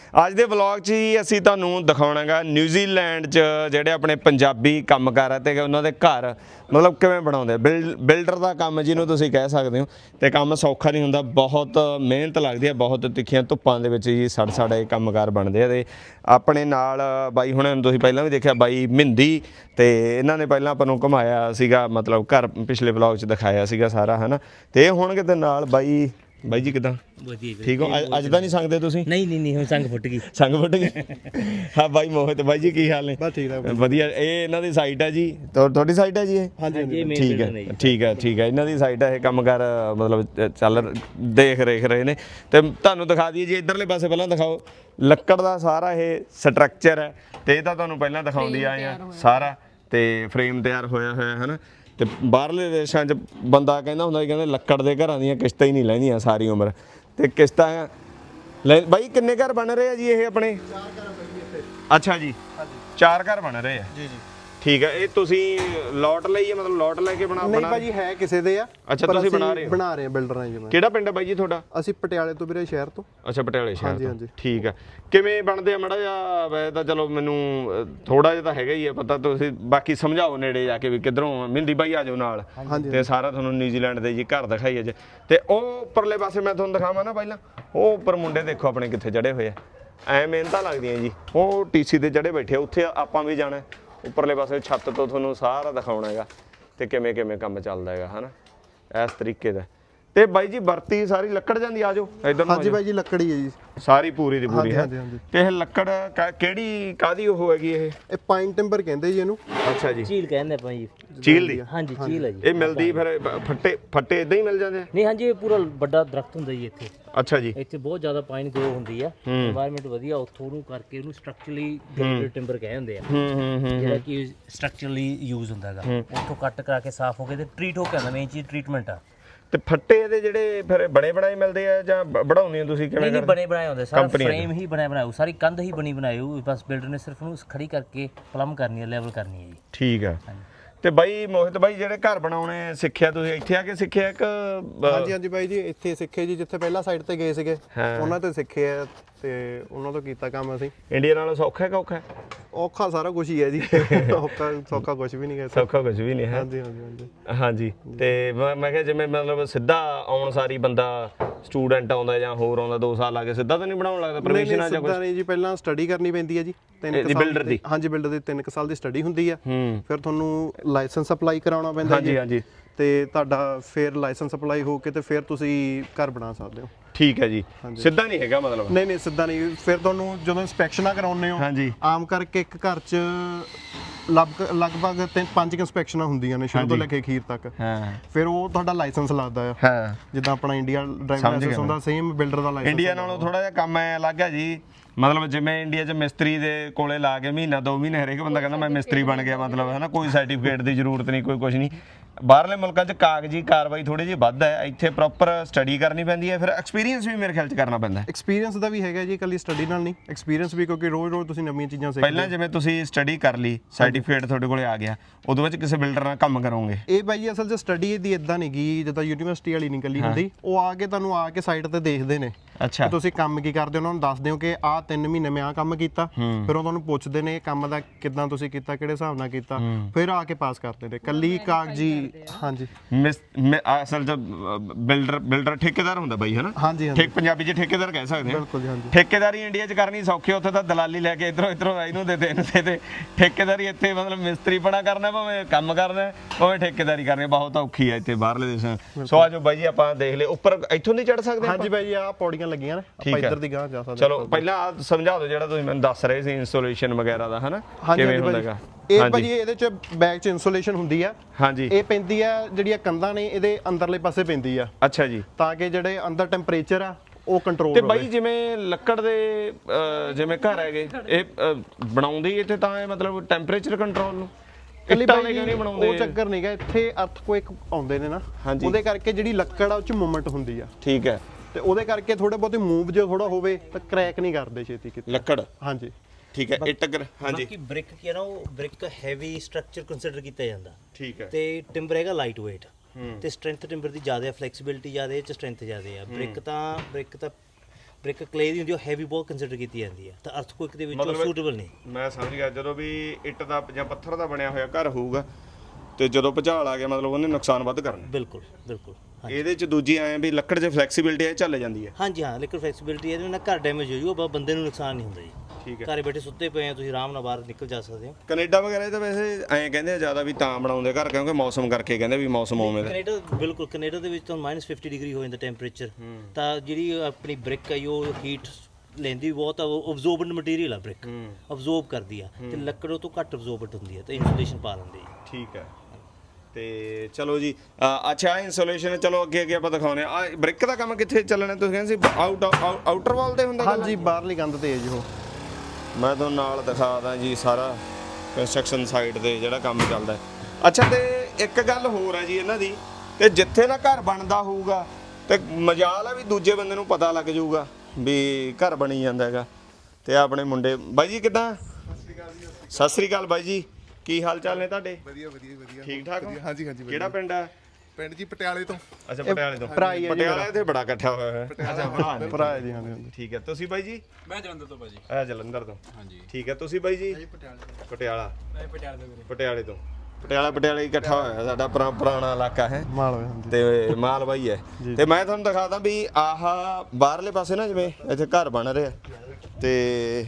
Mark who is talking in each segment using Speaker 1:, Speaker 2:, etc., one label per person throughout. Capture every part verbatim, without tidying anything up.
Speaker 1: ਅੱਜ ਦੇ ਵਲੌਗ 'ਚ ਹੀ ਅਸੀਂ ਤੁਹਾਨੂੰ ਦਿਖਾਉਣਾਗਾ ਨਿਊਜ਼ੀਲੈਂਡ 'ਚ ਜਿਹੜੇ ਆਪਣੇ ਪੰਜਾਬੀ ਕੰਮਕਾਰ ਹੈ ਤੇ ਉਹਨਾਂ ਦੇ ਘਰ ਮਤਲਬ ਕਿਵੇਂ ਬਣਾਉਂਦੇ ਬਿਲ ਬਿਲਡਰ ਦਾ ਕੰਮ ਜਿਹਨੂੰ ਤੁਸੀਂ ਕਹਿ ਸਕਦੇ ਹੋ। ਤੇ ਕੰਮ ਸੌਖਾ ਨਹੀਂ ਹੁੰਦਾ, ਬਹੁਤ ਮਿਹਨਤ ਲੱਗਦੀ ਹੈ, ਬਹੁਤ ਤਿੱਖੀਆਂ ਧੁੱਪਾਂ ਦੇ ਵਿੱਚ ਜੀ ਸੜ ਸੜ ਇਹ ਕੰਮਕਾਰ ਬਣਦੇ ਆ। ਤੇ ਆਪਣੇ ਨਾਲ ਬਾਈ ਹੁਣ ਤੁਸੀਂ ਪਹਿਲਾਂ ਵੀ ਦੇਖਿਆ ਬਾਈ ਮਹਿੰਦੀ, ਤੇ ਇਹਨਾਂ ਨੇ ਪਹਿਲਾਂ ਆਪਾਂ ਨੂੰ ਘੁਮਾਇਆ ਸੀਗਾ, ਮਤਲਬ ਘਰ ਪਿਛਲੇ ਵਲੌਗ 'ਚ ਦਿਖਾਇਆ ਸੀਗਾ ਸਾਰਾ, ਹੈ ਨਾ। ਤੇ ਇਹ ਹੋਣਗੇ ਤੇ ਨਾਲ ਬਾਈ ਬਾਈ ਜੀ ਕਿੱਦਾਂ ਠੀਕ ਹੋ? ਅੱਜ ਤਾਂ ਨਹੀਂ ਸੰਗਦੇ ਤੁਸੀਂ?
Speaker 2: ਨਹੀਂ ਨਹੀਂ ਨਹੀਂ ਹੁਣ ਸੰਗ ਫੁੱਟ ਗਈ
Speaker 1: ਸੰਗ ਫੁੱਟ ਗਈ। ਹਾਂ ਬਾਈ ਮੋਹਿਤ ਬਾਈ ਜੀ ਕੀ ਹਾਲ ਨੇ?
Speaker 3: ਬਸ ਠੀਕ ਠਾਕ
Speaker 1: ਵਧੀਆ। ਇਹ ਇਹਨਾਂ ਦੀ ਸਾਈਟ ਹੈ ਜੀ, ਤੁਹਾਡੀ ਸਾਈਟ ਹੈ ਜੀ ਇਹ?
Speaker 3: ਹਾਂਜੀ
Speaker 1: ਠੀਕ ਹੈ ਠੀਕ ਹੈ ਠੀਕ ਹੈ ਇਹਨਾਂ ਦੀ ਸਾਈਟ ਹੈ। ਇਹ ਕੰਮ ਕਰ ਮਤਲਬ ਚੱਲ ਦੇਖ ਰੇਖ ਰਹੇ ਨੇ। ਤੇ ਤੁਹਾਨੂੰ ਦਿਖਾ ਦਈਏ ਜੀ ਇੱਧਰਲੇ ਪਾਸੇ, ਪਹਿਲਾਂ ਦਿਖਾਓ ਲੱਕੜ ਦਾ ਸਾਰਾ ਇਹ ਸਟਰਕਚਰ ਹੈ। ਤੇ ਇਹ ਤਾਂ ਤੁਹਾਨੂੰ ਪਹਿਲਾਂ ਦਿਖਾਉਂਦੀ ਆਏ ਆ ਸਾਰਾ, ਤੇ ਫਰੇਮ ਤਿਆਰ ਹੋਇਆ ਹੋਇਆ ਹੈ ਨਾ। ਤੇ ਬਾਹਰਲੇ ਦੇਸ਼ਾਂ 'ਚ ਬੰਦਾ ਕਹਿੰਦਾ ਹੁੰਦਾ ਸੀ, ਕਹਿੰਦੇ ਲੱਕੜ ਦੇ ਘਰਾਂ ਦੀਆਂ ਕਿਸ਼ਤਾਂ ਹੀ ਨਹੀਂ ਲੈਂਦੀਆਂ ਸਾਰੀ ਉਮਰ। ਤੇ ਕਿਸ਼ਤਾਂ ਲੈ ਬਾਈ ਕਿੰਨੇ ਘਰ ਬਣ ਰਹੇ ਆ ਜੀ ਇਹ ਆਪਣੇ? ਅੱਛਾ ਜੀ, ਚਾਰ ਘਰ ਬਣ ਰਹੇ ਆ ਜੀ ਜੀ ਠੀਕ ਹੈ। ਇਹ ਤੁਸੀਂ ਲੋਟ ਲਈ ਹੈ, ਮਤਲਬ ਲੋਟ ਲੈ ਕੇ ਬਣਾ
Speaker 3: ਨਹੀਂ ਭਾਜੀ ਹੈ ਕਿਸੇ ਦੇ ਆ।
Speaker 1: ਅੱਛਾ ਤੁਸੀਂ ਬਣਾ ਰਹੇ ਹੋ?
Speaker 3: ਬਣਾ ਰਹੇ ਆ ਬਿਲਡਰਾਂ ਜੀ ਮੈਂ।
Speaker 1: ਕਿਹੜਾ ਪਿੰਡ ਹੈ ਬਾਈ ਜੀ ਤੁਹਾਡਾ?
Speaker 3: ਅਸੀਂ ਪਟਿਆਲੇ ਤੋਂ ਵੀਰੇ, ਸ਼ਹਿਰ ਤੋਂ।
Speaker 1: ਅੱਛਾ ਪਟਿਆਲੇ ਸ਼ਹਿਰ
Speaker 3: ਹਾਂਜੀ
Speaker 1: ਤੋਂ
Speaker 3: ਹਾਂਜੀ
Speaker 1: ਠੀਕ ਹੈ। ਕਿਵੇਂ ਬਣਦੇ ਆ ਮਾੜਾ ਜਿਹਾ? ਵੈਸੇ ਤਾਂ ਚਲੋ ਮੈਨੂੰ ਥੋੜਾ ਜਿਹਾ ਤਾਂ ਹੈਗਾ ਹੀ ਹੈ ਪਤਾ, ਤੁਸੀਂ ਬਾਕੀ ਸਮਝਾਓ ਨੇੜੇ ਜਾ ਕੇ ਵੀ ਕਿੱਧਰੋਂ। ਮਹਿੰਦੀ ਬਾਈ ਆ ਜਾਓ ਨਾਲ, ਤੇ ਸਾਰਾ ਤੁਹਾਨੂੰ ਨਿਊਜ਼ੀਲੈਂਡ ਦੇ ਜੀ ਘਰ ਦਿਖਾਈ ਅੱਜ। ਤੇ ਉਹ ਉੱਪਰਲੇ ਪਾਸੇ ਮੈਂ ਤੁਹਾਨੂੰ ਦਿਖਾਵਾਂ ਨਾ ਪਹਿਲਾਂ, ਉਹ ਉੱਪਰ ਮੁੰਡੇ ਦੇਖੋ ਆਪਣੇ ਕਿੱਥੇ ਚੜੇ ਹੋਏ ਆ, ਐ ਮਿਹਨਤਾਂ ਲੱਗਦੀਆਂ ਜੀ। ਉਹ ਟੀਸੀ ਤੇ ਚੜੇ ਬੈਠੇ, ਉੱਥੇ ਆਪਾਂ ਵੀ ਜਾਣਾ ਉੱਪਰਲੇ ਪਾਸੇ ਛੱਤ ਤੋਂ ਤੁਹਾਨੂੰ ਸਾਰਾ ਦਿਖਾਉਣਾ ਹੈਗਾ, ਤੇ ਕਿਵੇਂ ਕਿਵੇਂ ਕੰਮ ਚੱਲਦਾ ਹੈਗਾ, ਹੈ ਨਾ ਇਸ ਤਰੀਕੇ ਦਾ। ਤੇ ਬਾਈ ਜੀ ਵਰਤੀ ਸਾਰੀ ਲੱਕੜ ਜਾਂਦੀ, ਆ ਜਾਓ ਇੱਧਰ ਨੂੰ।
Speaker 3: ਹਾਂਜੀ ਬਾਈ ਜੀ ਲੱਕੜੀ ਹੈ ਜੀ
Speaker 1: ਸਾਰੀ ਪੂਰੀ ਦੀ ਪੂਰੀ ਹੈ।
Speaker 3: ਹਾਂਜੀ ਹਾਂਜੀ।
Speaker 1: ਤੇ ਇਹ ਲੱਕੜ ਕਿਹੜੀ ਕਾਦੀ ਉਹ ਹੈਗੀ ਇਹ?
Speaker 3: ਇਹ ਪਾਈਨ ਟਿੰਬਰ ਕਹਿੰਦੇ ਜੀ ਇਹਨੂੰ।
Speaker 1: ਅੱਛਾ ਜੀ,
Speaker 2: ਝੀਲ ਕਹਿੰਦੇ ਆਪਾਂ ਜੀ।
Speaker 1: ਚੀਲ ਦੀ?
Speaker 2: ਹਾਂਜੀ ਝੀਲ ਹੈ ਜੀ।
Speaker 1: ਇਹ ਮਿਲਦੀ ਫਿਰ ਫੱਟੇ ਫੱਟੇ ਇਦਾਂ ਹੀ ਮਿਲ ਜਾਂਦੇ ਆ?
Speaker 2: ਨਹੀਂ ਹਾਂਜੀ, ਇਹ ਪੂਰਾ ਵੱਡਾ ਦਰਖਤ ਹੁੰਦਾ ਜੀ ਇੱਥੇ।
Speaker 1: ਅੱਛਾ ਜੀ,
Speaker 2: ਇੱਥੇ ਬਹੁਤ ਜ਼ਿਆਦਾ ਪਾਈਨ ਗਰੋ ਹੁੰਦੀ ਆ, এনवायरमेंट ਵਧੀਆ, ਉੱਥੋਂ ਨੂੰ ਕਰਕੇ ਉਹਨੂੰ ਸਟਰਕਚਰਲੀ ਗ੍ਰੇਡਡ ਟਿੰਬਰ ਕਹਿੰਦੇ ਹੁੰਦੇ ਆ,
Speaker 1: ਹੂੰ ਹੂੰ ਹੂੰ
Speaker 2: ਜਿਹੜਾ ਕਿ ਸਟਰਕਚਰਲੀ ਯੂਜ਼ ਹੁੰਦਾ ਹੈਗਾ। ਉੱਥੋਂ ਕੱਟ ਕਰਾ ਕੇ ਸਾਫ਼ ਹੋ ਕੇ ਤੇ ਟ੍ਰੀਟ ਹੋ ਕੇ ਆਉਂਦਾ, ਮੇਨ ਚੀਜ਼ ਟ੍ਰੀਟਮੈਂਟ ਆ।
Speaker 1: ਤੇ ਫੱਟੇ ਇਹਦੇ ਜਿਹੜੇ ਫਿਰ ਬਣੇ ਬਣਾਏ ਮਿਲਦੇ ਆ ਜਾਂ ਬਣਾਉਂਦੇ ਹੋ ਤੁਸੀਂ ਕਿਵੇਂ?
Speaker 2: ਨਹੀਂ ਨਹੀਂ ਬਣੇ ਬਣਾਏ ਹੁੰਦੇ, ਸਾਰਾ ਫਰੇਮ ਹੀ ਬਣਾਇਆ ਬਣਾਇਆ, ਸਾਰੀ ਕੰਧ ਹੀ ਬਣੀ ਬਣਾਈ ਹੋਈ, ਬਸ ਬਿਲਡਰ ਨੇ ਸਿਰਫ ਉਹਨੂੰ ਖੜੀ ਕਰਕੇ ਪਲਮ ਕਰਨੀ ਹੈ, ਲੈਵਲ ਕਰਨੀ ਹੈ ਜੀ।
Speaker 1: ਠੀਕ ਆ। ਤੇ ਬਾਈ ਮੋਹਿਤ ਬਾਈ ਜਿਹੜੇ ਘਰ ਬਣਾਉਣੇ ਸਿੱਖਿਆ ਤੁਸੀਂ ਇੱਥੇ ਆ ਕੇ ਸਿੱਖਿਆ ਇੱਕ?
Speaker 3: ਹਾਂਜੀ ਹਾਂਜੀ ਬਾਈ ਜੀ ਇੱਥੇ ਸਿੱਖੇ ਜੀ, ਜਿੱਥੇ ਪਹਿਲਾਂ ਸਾਈਡ ਤੇ ਗਏ ਸੀਗੇ ਉਹਨਾਂ ਤੇ ਸਿੱਖੇ ਆ, ਤੇ ਉਹਨਾਂ ਤੋਂ ਕੀਤਾ ਕੰਮ ਅਸੀਂ।
Speaker 1: ਇੰਡੀਆ ਨਾਲੋਂ ਸੌਖਾ ਹੈ ਕਿ ਔਖਾ?
Speaker 3: ਔਖਾ ਸਾਰਾ ਕੁਝ ਹੀ ਹੈ ਜੀ। ਔਖਾ ਸੌਖਾ ਕੁਝ ਵੀ ਨਹੀਂ ਹੈ,
Speaker 1: ਸੌਖਾ ਕੁਝ ਵੀ ਨਹੀਂ ਹੈ।
Speaker 3: ਹਾਂਜੀ ਹਾਂਜੀ ਹਾਂਜੀ
Speaker 1: ਹਾਂਜੀ। ਤੇ ਮੈਂ ਮੈਂ ਕਿਹਾ ਜਿਵੇਂ ਮਤਲਬ ਸਿੱਧਾ ਆਉਣ ਸਾਰੀ ਬੰਦਾ ਸਟੂਡੈਂਟ ਆਉਂਦਾ ਜਾਂ ਹੋਰ ਆਉਂਦਾ ਦੋ ਸਾਲ ਲਾ ਕੇ, ਸਿੱਧਾ ਤਾਂ ਨਹੀਂ ਬਣਾਉਣ ਲੱਗਦਾ? ਪਰਮਿਸ਼ਨ ਆ ਜਾਂ ਕੁਝ?
Speaker 3: ਨਹੀਂ ਜੀ, ਪਹਿਲਾਂ ਸਟੱਡੀ ਕਰਨੀ ਪੈਂਦੀ ਹੈ ਜੀ, ਤਿੰਨ ਕੁ
Speaker 1: ਬਿਲਡਰ ਦੀ?
Speaker 3: ਹਾਂਜੀ ਬਿਲਡਰ ਦੀ ਤਿੰਨ ਕੁ ਸਾਲ ਦੀ ਸਟੱਡੀ ਹੁੰਦੀ ਆ।
Speaker 1: ਹੂੰ।
Speaker 3: ਫਿਰ ਤੁਹਾਨੂੰ ਲਾਇਸੈਂਸ ਅਪਲਾਈ ਕਰਾਉਣਾ ਪੈਂਦਾ
Speaker 1: ਹਾਂਜੀ ਹਾਂਜੀ।
Speaker 3: ਤੇ ਤੁਹਾਡਾ ਫਿਰ ਲਾਇਸੈਂਸ ਅਪਲਾਈ ਹੋ ਕੇ ਤੇ ਫਿਰ ਤੁਸੀਂ ਘਰ ਬਣਾ ਸਕਦੇ ਹੋ।
Speaker 1: ਠੀਕ ਹੈ ਜੀ, ਸਿੱਧਾ ਨਹੀਂ ਹੈਗਾ ਮਤਲਬ?
Speaker 3: ਨਹੀਂ ਨਹੀਂ ਸਿੱਧਾ ਨਹੀਂ। ਫਿਰ ਤੁਹਾਨੂੰ ਜਦੋਂ ਇੰਸਪੈਕਸ਼ਨਾਂ ਕਰਾਉਂਦੇ ਹੋ,
Speaker 1: ਹਾਂਜੀ,
Speaker 3: ਆਮ ਕਰਕੇ ਇੱਕ ਘਰ 'ਚ ਲਗਭਗ ਲਗਭਗ ਤਿੰਨ ਪੰਜ ਇੰਸਪੈਕਸ਼ਨਾਂ ਹੁੰਦੀਆਂ ਨੇ ਸ਼ੁਰੂ ਤੋਂ ਲੈ ਕੇ ਅਖੀਰ ਤੱਕ।
Speaker 1: ਹਾਂ।
Speaker 3: ਫਿਰ ਉਹ ਤੁਹਾਡਾ ਲਾਇਸੈਂਸ ਲੱਗਦਾ ਆ।
Speaker 1: ਹਾਂ।
Speaker 3: ਜਿੱਦਾਂ ਆਪਣਾ ਇੰਡੀਆ ਡਰਾਈਵਿੰਗ ਲਾਇਸੈਂਸ ਹੁੰਦਾ, ਸੇਮ ਬਿਲਡਰ ਦਾ ਲਾਇਸੈਂਸ।
Speaker 1: ਇੰਡੀਆ ਨਾਲੋਂ ਥੋੜਾ ਜਿਹਾ ਕੰਮ ਐ ਅਲੱਗ ਹੈ ਜੀ, ਮਤਲਬ ਜਿਵੇਂ ਇੰਡੀਆ 'ਚ ਮਿਸਤਰੀ ਦੇ ਕੋਲੇ ਲਾ ਕੇ ਮਹੀਨਾ ਦੋ ਮਹੀਨੇ ਹਰੇਕ ਬੰਦਾ ਕਹਿੰਦਾ ਮੈਂ ਮਿਸਤਰੀ ਬਣ ਗਿਆ, ਮਤਲਬ ਹੈ ਨਾ, ਕੋਈ ਸਰਟੀਫਿਕੇਟ ਦੀ ਜ਼ਰੂਰਤ ਨਹੀਂ, ਕੋਈ ਕੁਝ ਨਹੀਂ। ਬਾਹਰਲੇ ਮੁਲਕਾਂ 'ਚ ਕਾਗਜ਼ੀ ਕਾਰਵਾਈ ਥੋੜੀ ਜਿਹੀ ਵੱਧ ਹੈ, ਇੱਥੇ ਪ੍ਰੋਪਰ ਸਟੱਡੀ ਕਰਨੀ ਪੈਂਦੀ ਹੈ, ਫਿਰ ਐਕਸਪੀਰੀਅੰਸ ਵੀ ਮੇਰੇ ਖਿਆਲ 'ਚ ਕਰਨਾ ਪੈਂਦਾ।
Speaker 3: ਐਕਸਪੀਰੀਅੰਸ ਦਾ ਵੀ ਹੈਗਾ ਜੀ, ਇਕੱਲੀ ਸਟੱਡੀ ਨਾਲ ਨਹੀਂ, ਐਕਸਪੀਰੀਅੰਸ ਵੀ, ਕਿਉਂਕਿ ਰੋਜ਼ ਰੋਜ਼ ਤੁਸੀਂ ਨਵੀਆਂ ਚੀਜ਼ਾਂ ਸਿੱਖਦੇ ਹੋ।
Speaker 1: ਪਹਿਲਾਂ ਜਿਵੇਂ ਤੁਸੀਂ ਸਟੱਡੀ ਕਰ ਲਈ, ਸਰਟੀਫਿਕੇਟ ਤੁਹਾਡੇ ਕੋਲੇ ਆ ਗਿਆ, ਉਦੋਂ ਵਿੱਚ ਕਿਸੇ ਬਿਲਡਰ ਨਾਲ ਕੰਮ ਕਰੋਗੇ?
Speaker 3: ਇਹ ਬਾਈ ਜੀ ਅਸਲ 'ਚ ਸਟੱਡੀ ਦੀ ਇਦਾਂ ਨਹੀਂ ਗਈ ਜਿੱਦਾਂ ਯੂਨੀਵਰਸਿਟੀ ਵਾਲੀ ਨਹੀਂ ਇਕੱਲੀ ਹੁੰਦੀ। ਉਹ ਆ ਕੇ ਤੁਹਾਨੂੰ ਆ ਕੇ ਸਾਈਟ ਤੇ ਦੇਖਦੇ ਨੇ।
Speaker 1: ਅੱਛਾ।
Speaker 3: ਤੁਸੀਂ ਕੰਮ ਕੀ ਕਰਦੇ ਹੋ, ਉਹਨਾਂ ਨੂੰ ਦੱਸਦੇ ਹੋ ਕਿ ਆਹ ਤਿੰਨ ਮਹੀਨੇ ਮੈਂ ਆਹ ਕੰਮ ਕੀਤਾ, ਫਿਰ ਉਹ ਤੁਹਾਨੂੰ ਪੁੱਛਦੇ ਨੇ ਕੰਮ ਦਾ ਕਿੱਦਾਂ ਤੁਸੀਂ ਕੀਤਾ, ਕਿਹੜੇ ਹਿਸਾਬ ਨਾਲ ਕੀਤਾ, ਫਿਰ ਆ ਕੇ ਪਾਸ ਕਰਦੇ ਨੇ। ਕੱਲੀ ਕਾਗਜ਼ੀ। ਹਾਂਜੀ।
Speaker 1: ਅਸਲ 'ਚ ਬਿਲਡਰ ਬਿਲਡਰ ਠੇਕੇਦਾਰ ਹੁੰਦਾ ਬਾਈ, ਹੈ ਨਾ?
Speaker 3: ਹਾਂਜੀ ਹਾਂਜੀ
Speaker 1: ਠੇਕ ਪੰਜਾਬੀ 'ਚ ਠੇਕੇਦਾਰ ਕਹਿ ਸਕਦੇ ਹਾਂ।
Speaker 3: ਬਿਲਕੁਲ ਜੀ, ਹਾਂਜੀ।
Speaker 1: ਠੇਕੇਦਾਰੀ ਇੰਡੀਆ 'ਚ ਕਰਨੀ ਸੌਖੀ, ਉੱਥੇ ਤਾਂ ਦਲਾਲੀ ਲੈ ਕੇ ਇਧਰੋਂ ਇਧਰੋਂ ਇਹਨੂੰ ਦੇ ਦੇ ਇਹਨੂੰ ਦੇ ਦੇ। ਠੇਕੇਦਾਰੀ ਇੱਥੇ ਮਤਲਬ ਮਿਸਤਰੀ ਪਣਾ ਕਰਨਾ, ਭਾਵੇਂ ਕੰਮ ਕਰਨਾ, ਭਾਵੇਂ ਠੇਕੇਦਾਰੀ ਕਰਨੀ, ਬਹੁਤ ਔਖੀ ਹੈ ਇੱਥੇ ਬਾਹਰਲੇ ਦੇਸ਼ਾਂ। ਸੋ ਆਜੋ ਬਾਈ ਜੀ ਆਪਾਂ ਦੇਖ ਲਏ ਉੱਪਰ, ਇੱਥੋਂ ਨਹੀਂ ਚੜ ਸਕਦੇ?
Speaker 3: ਹਾਂਜੀ ਬਾਈ ਜੀ, ਆਹ ਪੌੜੀਆਂ ਲੱਗੀਆਂ ਨੇ, ਆਪਾਂ ਇੱਧਰ ਦੀ ਗਾਂ ਜਾ ਸਕਦੇ।
Speaker 1: ਚਲੋ ਪਹਿਲਾਂ ਆ ਸਮਝਾ ਦਿਓ ਜਿਹੜਾ ਤੁਸੀਂ ਮੈਨੂੰ ਦੱਸ ਰਹੇ ਸੀ ਇੰਸਟਾਲੇਸ਼ਨ ਵਗੈਰਾ ਦਾ, ਹਨਾ ਕਿਵੇਂ ਹੁੰਦਾਗਾ?
Speaker 3: ਇਹ ਭਾਜੀ ਇਹਦੇ 'ਚ ਬੈਕ 'ਚ ਇੰਸੂਲੇਸ਼ਨ ਹੁੰਦੀ ਆ।
Speaker 1: ਹਾਂਜੀ।
Speaker 3: ਇਹ ਪੈਂਦੀ ਆ, ਜਿਹੜੀਆਂ ਕੰਧਾਂ ਨੇ ਇਹਦੇ ਅੰਦਰਲੇ ਪਾਸੇ ਪੈਂਦੀ ਆ।
Speaker 1: ਅੱਛਾ ਜੀ।
Speaker 3: ਤਾਂ ਕਿ ਜਿਹੜੇ ਅੰਦਰ ਟੈਂਪਰੇਚਰ ਆ ਉਹ ਕੰਟਰੋਲ
Speaker 1: ਤੇ ਬਾਈ ਜਿਵੇਂ ਲੱਕੜ ਦੇ ਜਿਵੇਂ ਘਰ ਹੈਗੇ, ਇਹ ਬਣਾਉਂਦੇ ਇੱਥੇ ਤਾਂ ਇਹ ਮਤਲਬ ਟੈਂਪਰੇਚਰ ਕੰਟਰੋਲ ਨੂੰ
Speaker 3: ਉਹ ਚੱਕਰ ਨਹੀਂਗਾ, ਇੱਥੇ ਅਰਥਕੁਏਕ ਆਉਂਦੇ ਨੇ ਨਾ, ਉਹਦੇ ਕਰਕੇ ਜਿਹੜੀ ਲੱਕੜ ਆ ਉਹ 'ਚ ਮੂਵਮੈਂਟ ਹੁੰਦੀ ਆ।
Speaker 1: ਠੀਕ ਹੈ।
Speaker 3: ਤੇ ਉਹਦੇ ਕਰਕੇ ਥੋੜੇ ਬਹੁਤੇ ਮੂਵ ਜੇ ਥੋੜਾ ਹੋਵੇ ਤਾਂ ਕ੍ਰੈਕ ਨਹੀਂ ਕਰਦੇ ਛੇਤੀ ਕਿਤੇ
Speaker 1: ਲੱਕੜ।
Speaker 3: ਹਾਂਜੀ
Speaker 1: ਠੀਕ ਹੈ। ਇੱਟ ਹਾਂਜੀ।
Speaker 2: ਬਾਕੀ ਬ੍ਰਿਕ ਕੀ ਹੈ ਨਾ, ਉਹ ਬ੍ਰਿਕ ਹੈਵੀ ਸਟਰਕਚਰ ਕੰਸੀਡਰ ਕੀਤਾ ਜਾਂਦਾ।
Speaker 1: ਠੀਕ ਹੈ।
Speaker 2: ਤੇ ਟਿੰਬਰ ਹੈਗਾ ਲਾਈਟ weight, ਤੇ ਸਟਰੈਂਥ ਟਿੰਬਰ ਦੀ ਜ਼ਿਆਦਾ, ਫਲੈਕਸੀਬਿਲਿਟੀ ਜ਼ਿਆਦਾ, ਇਹ ਚ ਸਟਰੈਂਥ ਜ਼ਿਆਦਾ ਆ। ਬ੍ਰਿਕ ਤਾਂ ਬ੍ਰਿਕ ਤਾਂ ਬ੍ਰਿਕ ਕਲੇ ਦੀ ਹੁੰਦੀ ਉਹ ਹੈਵੀ ਬਹੁਤ ਕੰਸੀਡਰ ਕੀਤੀ ਜਾਂਦੀ ਹੈ ਤਾਂ ਅਰਥਕੁਇਕ ਦੇ ਵਿੱਚ ਉਹ ਸੂਟੇਬਲ ਨਹੀਂ।
Speaker 1: ਮੈਂ ਸਮਝ ਗਿਆ, ਜਦੋਂ ਵੀ ਇੱਟ ਦਾ ਜਾਂ ਪੱਥਰ ਦਾ ਬਣਿਆ ਹੋਇਆ ਘਰ ਹੋਊਗਾ ਤੇ ਜਦੋਂ ਭੁਚਾਲ ਆ ਗਿਆ ਮਤਲਬ ਉਹਨੇ ਨੁਕਸਾਨ ਵੱਧ ਕਰਨਾ।
Speaker 2: ਬਿਲਕੁਲ ਬਿਲਕੁਲ
Speaker 1: ਇਹਦੇ ਚ ਦੂਜੀ ਐਂ ਵੀ ਲੱਕੜ 'ਚ ਫਲੈਕਸੀਬਿਲਿਟੀ ਹੈ, ਚੱਲ ਜਾਂਦੀ ਹੈ।
Speaker 2: ਹਾਂਜੀ ਹਾਂ, ਲਿਕਵਿਡ ਫਲੈਕਸੀਬਿਲਿਟੀ ਇਹਦੇ ਨਾਲ ਘਰ ਡੈਮੇਜ ਹੋ ਜੂਗਾ, ਬੰਦੇ ਨੂੰ ਨੁਕਸਾਨ ਨਹੀਂ ਹੁੰਦਾ ਜੀ।
Speaker 1: ਠੀਕ ਹੈ,
Speaker 2: ਘਰੇ ਬੈਠੇ ਸੁੱਤੇ ਪਏ ਆ ਤੁਸੀਂ ਆਰਾਮ ਨਾਲ ਬਾਹਰ ਨਿਕਲ ਜਾ ਸਕਦੇ ਹੋ।
Speaker 1: ਕੈਨੇਡਾ ਵਗੈਰਾ ਤਾਂ ਵੈਸੇ ਐਂ ਕਹਿੰਦੇ ਆ ਜ਼ਿਆਦਾ ਵੀ ਤਾਂ ਬਣਾਉਂਦੇ ਘਰ ਕਿਉਂਕਿ ਮੌਸਮ ਕਰਕੇ, ਕਹਿੰਦੇ ਵੀ ਮੌਸਮ ਉਵੇਂ ਦਾ।
Speaker 2: ਕੈਨੇਡਾ ਬਿਲਕੁਲ, ਕੈਨੇਡਾ ਦੇ ਵਿੱਚ ਤਾਂ ਮਾਈਨਸ ਫਿਫਟੀ ਡਿਗਰੀ ਹੋ ਜਾਂਦਾ ਟੈਂਪਰੇਚਰ, ਤਾਂ ਜਿਹੜੀ ਆਪਣੀ ਬ੍ਰਿਕ ਹੈ ਉਹ ਹੀਟ ਲੈਂਦੀ ਬਹੁਤ ਆ, ਉਹ ਅਬਜ਼ੋਰਬੈਂਟ ਮਟੀਰੀਅਲ ਆ ਬ੍ਰਿਕ, ਅਬਜ਼ੋਰਬ ਕਰਦੀ ਆ ਤੇ ਲੱਕੜ ਉਹ ਤੋਂ ਘੱਟ ਅਬਜ਼ੋਰਬੈਂਟ ਹੁੰਦੀ ਹੈ ਤਾਂ ਇਨਸੂਲੇਸ਼ਨ ਪਾ ਲੈਂਦੀ ਹੈ।
Speaker 1: ਠੀਕ ਹੈ, ਤੇ ਚਲੋ ਜੀ ਅ, ਅੱਛਾ ਇਨਸੂਲੇਸ਼ਨ ਚਲੋ ਅੱਗੇ ਅੱਗੇ ਆਪਾਂ ਦਿਖਾਉਨੇ ਆ। ਬ੍ਰਿਕ ਦਾ ਕੰਮ ਕਿੱਥੇ ਚੱਲਣਾ ਤੁਸੀਂ ਕਹਿੰਦੇ ਸੀ ਆਊਟ ਆਊਟਰ ਵਾਲ ਤੇ ਹੁੰਦਾ?
Speaker 3: ਹਾਂਜੀ ਬਾਹਰਲੀ ਕੰਧ ਤੇ ਹੈ ਜੀ ਉਹ।
Speaker 1: ਮੈਂ ਤੁਹਾਨੂੰ ਨਾਲ ਦਿਖਾਦਾ ਜੀ ਸਾਰਾ ਕੰਸਟਰਕਸ਼ਨ ਸਾਈਟ ਤੇ ਜਿਹੜਾ ਕੰਮ ਚੱਲਦਾ ਹੈ। ਅੱਛਾ, ਤੇ ਇੱਕ ਗੱਲ ਹੋਰ ਹੈ ਜੀ ਇਹਨਾਂ ਦੀ, ਤੇ ਜਿੱਥੇ ਨਾ ਘਰ ਬਣਦਾ ਹੋਊਗਾ ਤੇ ਮਜਾਲ ਆ ਵੀ ਦੂਜੇ ਬੰਦੇ ਨੂੰ ਪਤਾ ਲੱਗ ਜਾਊਗਾ ਵੀ ਘਰ ਬਣੀ ਜਾਂਦਾ ਹੈਗਾ। ਤੇ ਆਪਣੇ ਮੁੰਡੇ ਬਾਈ ਜੀ ਕਿੱਦਾਂ? ਸਤਿ ਸ੍ਰੀ ਅਕਾਲ ਬਾਈ ਜੀ, ਕੀ ਹਾਲ ਚਾਲ ਨੇ ਤੁਹਾਡੇ?
Speaker 4: ਵਧੀਆ ਵਧੀਆ ਵਧੀਆ
Speaker 1: ਠੀਕ ਠਾਕ ਹੋ?
Speaker 4: ਹਾਂਜੀ ਹਾਂਜੀ ਵਧੀਆ।
Speaker 1: ਕਿਹੜਾ ਪਿੰਡ ਆ?
Speaker 4: ਪਿੰਡ ਜੀ ਪਟਿਆਲੇ ਤੋਂ।
Speaker 1: ਅੱਛਾ ਪਟਿਆਲੇ ਤੋਂ।
Speaker 3: ਭਰਾ ਹੀ ਹੈ ਜੀ
Speaker 1: ਪਟਿਆਲੇ ਤੇ ਬੜਾ ਇਕੱਠਾ ਹੋਇਆ ਹੋਇਆ ਹੈ। ਅੱਛਾ ਭਰਾ ਨੇ।
Speaker 3: ਭਰਾ ਹੈ ਜੀ, ਹਾਂਜੀ ਹਾਂਜੀ।
Speaker 1: ਠੀਕ ਹੈ, ਤੁਸੀਂ ਬਾਈ ਜੀ?
Speaker 5: ਮੈਂ ਜਲੰਧਰ ਤੋਂ ਭਾਜੀ।
Speaker 1: ਇਹ ਜਲੰਧਰ ਤੋਂ।
Speaker 5: ਹਾਂਜੀ।
Speaker 1: ਠੀਕ ਹੈ, ਤੁਸੀਂ ਬਾਈ ਜੀ?
Speaker 4: ਪਟਿਆਲੇ
Speaker 1: ਪਟਿਆਲਾ।
Speaker 5: ਮੈਂ ਪਟਿਆਲੇ ਤੋਂ ਵੀਰੇ।
Speaker 1: ਪਟਿਆਲੇ ਤੋਂ। ਪਟਿਆਲਾ ਪਟਿਆਲੇ ਹੀ ਇਕੱਠਾ ਹੋਇਆ ਸਾਡਾ ਪੁਰਾ- ਪੁਰਾਣਾ ਇਲਾਕਾ ਹੈ
Speaker 3: ਮਾਲਵੇ, ਹਾਂਜੀ।
Speaker 1: ਤੇ ਮਾਲਵਾਈ ਹੈ। ਤੇ ਮੈਂ ਤੁਹਾਨੂੰ ਦਿਖਾਦਾ ਵੀ ਆਹ ਬਾਹਰਲੇ ਪਾਸੇ ਨਾ ਜਿਵੇਂ ਇੱਥੇ ਘਰ ਬਣ ਰਿਹਾ ਤੇ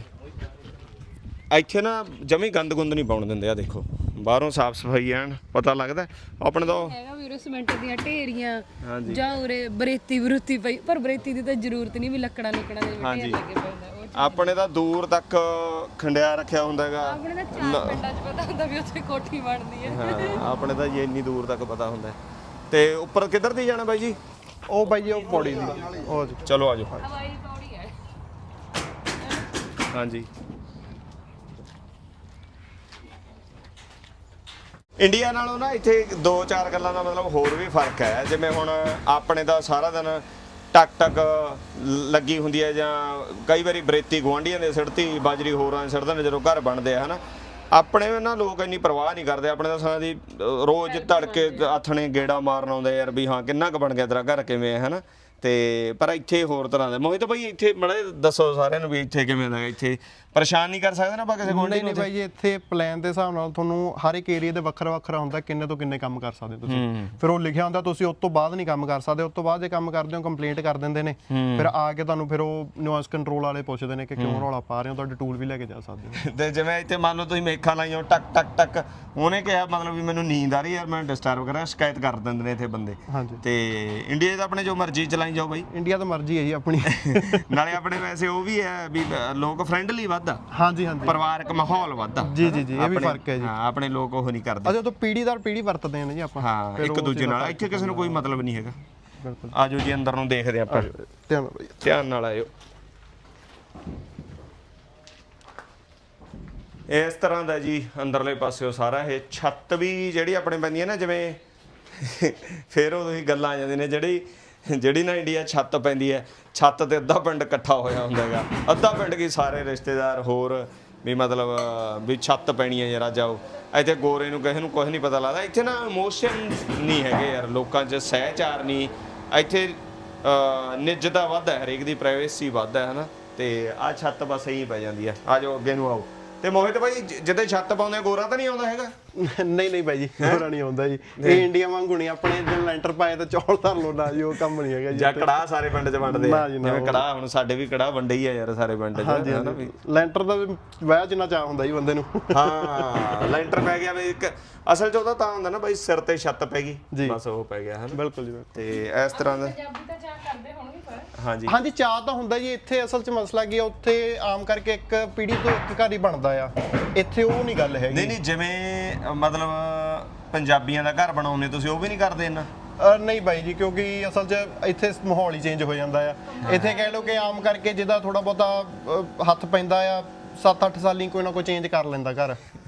Speaker 1: ਇੱਥੇ ਨਾ ਜਮੀ ਗੰਦ ਗੁੰਦ ਨਹੀਂ ਪਾਉਣ ਦਿੰਦੇ। ਆ ਦੇਖੋ ਬਾਹਰੋਂ ਸਾਫ ਸਫਾਈ ਐਨ ਪਤਾ ਲੱਗਦਾ। ਆਪਣੇ ਤਾਂ
Speaker 6: ਹੈਗਾ ਵੀਰੇ ਸੀਮੈਂਟ ਦੀਆਂ ਢੇਰੀਆਂ
Speaker 1: ਹਾਂਜੀ।
Speaker 6: ਜਾਂ ਉਰੇ ਬਰੇਤੀ ਬਰੂਤੀ ਪਈ, ਪਰ ਬਰੇਤੀ ਦੀ ਤਾਂ ਜ਼ਰੂਰਤ ਨਹੀਂ ਵੀ ਲੱਕੜਾਂ ਲੁਕੜਾਂ ਦੇ
Speaker 1: ਹਾਂਜੀ।
Speaker 6: ਢੇਰ ਲੱਗੇ ਪਏ ਹੁੰਦੇ ਉਹ ਚੀਜ਼।
Speaker 1: ਆਪਣੇ ਤਾਂ ਦੂਰ ਤੱਕ ਖੰਡਿਆ ਰੱਖਿਆ ਹੁੰਦਾ ਹੈਗਾ।
Speaker 6: ਆਪਣੇ ਤਾਂ ਚਾਰ ਪਿੰਡਾਂ 'ਚ ਪਤਾ ਹੁੰਦਾ ਵੀ ਉੱਥੇ ਕੋਠੀ ਬਣਦੀ ਹੈ।
Speaker 1: ਹਾਂ, ਆਪਣੇ ਤਾਂ ਜੀ ਇੰਨੀ ਦੂਰ ਤੱਕ ਪਤਾ ਹੁੰਦਾ ਹੈ। ਤੇ ਉੱਪਰ ਕਿੱਧਰ ਦੀ ਜਾਣਾ ਬਾਈ ਜੀ?
Speaker 3: ਉਹ ਬਾਈ ਜੀ ਉਹ ਪੌੜੀ ਦੀ ਉਹ ਜੀ।
Speaker 1: ਚਲੋ ਆਜੋ।
Speaker 6: ਹਵਾਈ ਪੌੜੀ ਹੈ।
Speaker 1: ਹਾਂਜੀ, ਇੰਡੀਆ ਨਾਲੋਂ ਨਾ ਇੱਥੇ ਦੋ ਚਾਰ ਗੱਲਾਂ ਦਾ ਮਤਲਬ ਹੋਰ ਵੀ ਫਰਕ ਹੈ। ਜਿਵੇਂ ਹੁਣ ਆਪਣੇ ਦਾ ਸਾਰਾ ਦਿਨ ਟਕ ਟਕ ਲੱਗੀ ਹੁੰਦੀ ਹੈ, ਜਾਂ ਕਈ ਵਾਰੀ ਬਰੇਤੀ ਗੁਆਂਢੀਆਂ ਦੇ ਸਿੜਤੀ, ਬਾਜਰੀ ਹੋਰਾਂ ਦੇ ਸਿੜਦੇ ਨੇ ਜਦੋਂ ਘਰ ਬਣਦੇ ਆ, ਹਨਾ। ਆਪਣੇ ਨਾ ਲੋਕ ਇੰਨੀ ਪਰਵਾਹ ਨਹੀਂ ਕਰਦੇ। ਆਪਣੇ ਤਾਂ ਸਾਰਾ ਦੀ ਰੋਜ਼ ਧੜਕੇ ਆਥਣੇ ਗੇੜਾ ਮਾਰਨ ਆਉਂਦੇ ਯਾਰ ਵੀ ਹਾਂ ਕਿੰਨਾ ਕੁ ਬਣ ਗਿਆ ਤੇਰਾ ਘਰ, ਕਿਵੇਂ ਹੈ, ਹਨਾ। ਤੇ ਪਰ ਇੱਥੇ ਹੋਰ ਤਰ੍ਹਾਂ ਦਾ ਮੋਹਿਤ ਭਾਈ, ਇੱਥੇ ਮੜੇ ਦੱਸੋ ਸਾਰਿਆਂ ਨੂੰ ਵੀ ਇੱਥੇ ਕਿਵੇਂ ਦਾ? ਇੱਥੇ ਪਰੇਸ਼ਾਨ ਨਹੀਂ ਕਰ ਸਕਦੇ ਨਾ ਆਪਾਂ ਕਿਸੇ ਗੁਆਂਢੀ
Speaker 3: ਨਹੀਂ
Speaker 1: ਨੂੰ?
Speaker 3: ਨਹੀਂ ਬਾਈ ਜੀ, ਇੱਥੇ ਪਲਾਨ ਦੇ ਹਿਸਾਬ ਨਾਲ ਤੁਹਾਨੂੰ ਹਰ ਇੱਕ ਏਰੀਆ ਦੇ ਵੱਖਰਾ ਵੱਖਰਾ ਹੁੰਦਾ ਕਿੰਨੇ ਤੋਂ ਕਿੰਨੇ ਕੰਮ ਕਰ ਸਕਦੇ ਤੁਸੀਂ। ਫਿਰ ਉਹ ਲਿਖਿਆ ਹੁੰਦਾ ਤੁਸੀਂ ਉਸ ਤੋਂ ਬਾਅਦ ਨਹੀਂ ਕੰਮ ਕਰ ਸਕਦੇ, ਉਸ ਤੋਂ ਬਾਅਦ ਜੇ ਕੰਮ ਕਰਦੇ ਹੋ ਕੰਪਲੇਂਟ ਕਰ ਦਿੰਦੇ ਨੇ। ਫਿਰ ਆ ਕੇ ਤੁਹਾਨੂੰ ਫਿਰ ਉਹ ਨੋਇਸ ਕੰਟਰੋਲ ਵਾਲੇ ਪੁੱਛਦੇ ਨੇ ਕਿ ਕਿਉਂ ਰੌਲਾ ਪਾ ਰਹੇ ਹੋ, ਤੁਹਾਡੇ ਟੂਲ ਵੀ ਲੈ ਕੇ ਜਾ ਸਕਦੇ ਹੋ।
Speaker 1: ਤੇ ਜਿਵੇਂ ਇੱਥੇ ਮੰਨ ਲਓ ਤੁਸੀਂ ਮੇਖਾਂ ਲਾਈਆਂ ਟਕ ਟਕ ਟਕ, ਉਹਨੇ ਕਿਹਾ ਮਤਲਬ ਵੀ ਮੈਨੂੰ ਨੀਂਦ ਆ ਰਹੀ ਯਾਰ ਮੈਂ ਡਿਸਟਰਬ ਕਰਾਂ, ਸ਼ਿਕਾਇਤ ਕਰ ਦਿੰਦੇ ਨੇ ਇੱਥੇ ਬੰਦੇ।
Speaker 3: ਹਾਂਜੀ।
Speaker 1: ਤੇ ਇੰਡੀਆ 'ਚ ਤਾਂ ਆਪਣੇ ਜੋ ਮਰਜ਼ੀ ਚਲਾਈ ਜਾਓ ਬਾਈ।
Speaker 3: ਇੰਡੀਆ ਤਾਂ ਮਰਜ਼ੀ ਹੈ ਜੀ ਆਪਣੀ।
Speaker 1: ਨਾਲੇ ਆਪਣੇ ਵੈਸੇ ਉਹ ਵੀ ਹੈ ਵੀ ਲੋਕ ਫਰੈਂਡਲੀ ਵੱਧ ਆ,
Speaker 3: ਹਾਂਜੀ ਹਾਂਜੀ।
Speaker 1: ਪਰਿਵਾਰਕ ਮਾਹੌਲ ਵੱਧ ਆ।
Speaker 3: ਜੀ ਜੀ ਜੀ, ਇਹ ਵੀ
Speaker 1: ਆਪਣੇ-
Speaker 3: ਫਰਕ ਹੈ ਜੀ।
Speaker 1: ਹਾਂ, ਆਪਣੇ ਲੋਕ ਉਹ ਨਹੀਂ ਕਰਦੇ।
Speaker 3: ਅਜੇ ਤੋਂ ਪੀੜੀ ਦਰ ਪੀੜੀ ਵਰਤਦੇ ਨੇ ਜੀ ਆਪਾਂ।
Speaker 1: ਹਾਂ,
Speaker 3: ਫਿਰ
Speaker 1: ਇੱਕ
Speaker 3: ਉਹ
Speaker 1: ਦੂਜੇ
Speaker 3: ਚੀਜ਼ ਦਾ
Speaker 1: ਨਾਲ।
Speaker 3: ਫਰਕ
Speaker 1: ਇੱਥੇ ਕਿਸੇ ਨੂੰ ਕੋਈ ਮਤਲਬ ਨਹੀਂ ਹੈਗਾ।
Speaker 3: ਬਿਲਕੁਲ।
Speaker 1: ਆਜੋ ਜੀ ਅੰਦਰ ਨੂੰ ਦੇਖਦੇ ਆਪਾਂ,
Speaker 3: ਧਿਆਨ ਨਾਲ ਬਾਈ।
Speaker 1: ਧਿਆਨ ਨਾਲ ਆਇਓ। ਇਸ ਤਰ੍ਹਾਂ ਦਾ ਜੀ ਅੰਦਰਲੇ ਪਾਸਿਓ ਸਾਰਾ ਇਹ ਛੱਤ ਵੀ ਜਿਹੜੀ ਆਪਣੇ ਪੈਂਦੀ ਹੈ ਨਾ, ਜਿਵੇਂ ਫਿਰ ਉਹ ਤੁਸੀਂ ਗੱਲਾਂ ਆ ਜਾਂਦੀਆਂ ਨੇ, ਜਿਹੜੀ ਜਿਹੜੀ ਨਾ ਇੰਡੀਆ ਛੱਤ ਪੈਂਦੀ ਹੈ, ਛੱਤ ਤੇ ਅੱਧਾ ਪਿੰਡ ਇਕੱਠਾ ਹੋਇਆ ਹੁੰਦਾ ਹੈਗਾ। ਅੱਧਾ ਪਿੰਡ ਕੀ ਸਾਰੇ ਰਿਸ਼ਤੇਦਾਰ ਹੋਰ ਵੀ ਮਤਲਬ ਵੀ ਛੱਤ ਪੈਣੀ ਹੈ ਯਾਰ ਅੱਜ ਆਓ। ਇੱਥੇ ਗੋਰੇ ਨੂੰ ਕਿਸੇ ਨੂੰ ਕੁਝ ਨਹੀਂ ਪਤਾ ਲੱਗਦਾ। ਇੱਥੇ ਨਾ ਇਮੋਸ਼ਨ ਨਹੀਂ ਹੈਗੇ ਯਾਰ ਲੋਕਾਂ 'ਚ, ਸਹਿਚਾਰ ਨਹੀਂ ਇੱਥੇ, ਨਿੱਜਤਾ ਵੱਧ ਹੈ, ਹਰੇਕ ਦੀ ਪ੍ਰਾਈਵੇਸੀ ਵੱਧ ਹੈ, ਹਨਾ। ਤੇ ਆਹ ਛੱਤ ਬਸ ਇਹੀ ਪੈ ਜਾਂਦੀ ਹੈ। ਆ ਜਾਓ ਅੱਗੇ ਨੂੰ ਆਓ। ਤੇ ਮੋਹਿਤ ਭਾਈ ਜਿੱਦੇ ਛੱਤ ਪਾਉਂਦੇ ਗੋਰਾ ਤਾਂ ਨਹੀਂ ਆਉਂਦਾ ਹੈਗਾ?
Speaker 3: ਨਹੀਂ ਨਹੀਂ ਬਾਈ ਜੀ, ਗੋਰਾ ਨਹੀਂ ਆਉਂਦਾ ਜੀ। ਇਹ ਇੰਡੀਆ ਵਾਂਗੂ ਨਹੀਂ, ਆਪਣੇ ਜਦੋਂ ਲੈਂਟਰ ਪਾਏ ਤਾਂ ਚੌਲ ਧਰ ਲੋ ਨਾ ਜੀ, ਉਹ ਕੰਮ ਨਹੀਂ ਹੈਗਾ ਜੀ।
Speaker 1: ਜਾਂ ਕੜਾਹ ਸਾਰੇ ਪਿੰਡ 'ਚ ਵੰਡਦੇ ਆ?
Speaker 3: ਨਾ ਜੀ, ਨਾ।
Speaker 1: ਜਿਵੇਂ ਕੜਾਹ ਹੁਣ ਸਾਡੇ ਵੀ ਕੜਾਹ ਵੰਡੇ ਹੀ ਆ ਯਾਰ ਸਾਰੇ ਪਿੰਡ 'ਚ,
Speaker 3: ਹਾਂਜੀ
Speaker 1: ਹਨਾ
Speaker 3: ਹਾਂਜੀ।
Speaker 1: ਵੀ।
Speaker 3: ਲੈਂਟਰ ਦਾ ਵਾਹ ਜਿੰਨਾ ਚਾਹ ਹੁੰਦਾ ਜੀ ਬੰਦੇ ਨੂੰ।
Speaker 1: ਹਾਂ, ਲੈਂਟਰ ਪੈ ਗਿਆ ਵੀ ਇੱਕ ਅਸਲ 'ਚ ਉਹਦਾ ਤਾਂ ਹੁੰਦਾ ਨਾ ਬਾਈ ਸਿਰ ਤੇ ਛੱਤ ਪੈ ਗਈ, ਬਸ ਉਹ ਪੈ ਗਿਆ, ਹਨਾ।
Speaker 3: ਬਿਲਕੁਲ ਜੀ।
Speaker 1: ਤੇ ਇਸ ਤਰ੍ਹਾਂ ਦਾ
Speaker 6: ਪੰਜਾਬੀ ਤਾਂ ਚਾਹ ਕਰਦੇ ਹੋਣਗੇ ਪਰ
Speaker 1: ਹਾਂਜੀ
Speaker 3: ਹਾਂਜੀ, ਚਾਹ ਤਾਂ ਹੁੰਦਾ ਜੀ। ਇੱਥੇ ਅਸਲ 'ਚ ਮਸਲਾ ਕੀ ਹੈ, ਉੱਥੇ ਆਮ ਕਰਕੇ ਇੱਕ ਪੀੜੀ ਤੋਂ ਇੱਕ ਘਰ ਹੀ ਬਣਦਾ ਆ, ਇੱਥੇ ਉਹ ਨਹੀਂ ਗੱਲ ਹੈਗੀ।
Speaker 1: ਨਹੀਂ ਨਹੀਂ, ਜਿਵੇਂ ਅ, ਮਤਲਬ ਪੰਜਾਬੀਆਂ ਦਾ ਘਰ ਬਣਾਉਂਦੇ ਤੁਸੀਂ, ਉਹ ਵੀ ਨਹੀਂ ਕਰਦੇ ਇੰਨਾ?
Speaker 3: ਅ, ਨਹੀਂ ਬਾਈ ਜੀ, ਕਿਉਂਕਿ ਅਸਲ 'ਚ ਇੱਥੇ ਮਾਹੌਲ ਹੀ ਚੇਂਜ ਹੋ ਜਾਂਦਾ ਆ। ਇੱਥੇ ਕਹਿ ਲਓ ਕਿ ਆਮ ਕਰਕੇ ਜਿਹਦਾ ਥੋੜਾ ਬਹੁਤਾ ਅ, ਹੱਥ ਪੈਂਦਾ ਆ, ਸੱਤ ਅੱਠ ਸਾਲੀ ਕੋਈ ਨਾ ਕੋਈ ਚੇਂਜ ਕਰ ਲੈਂਦਾ ਘਰ।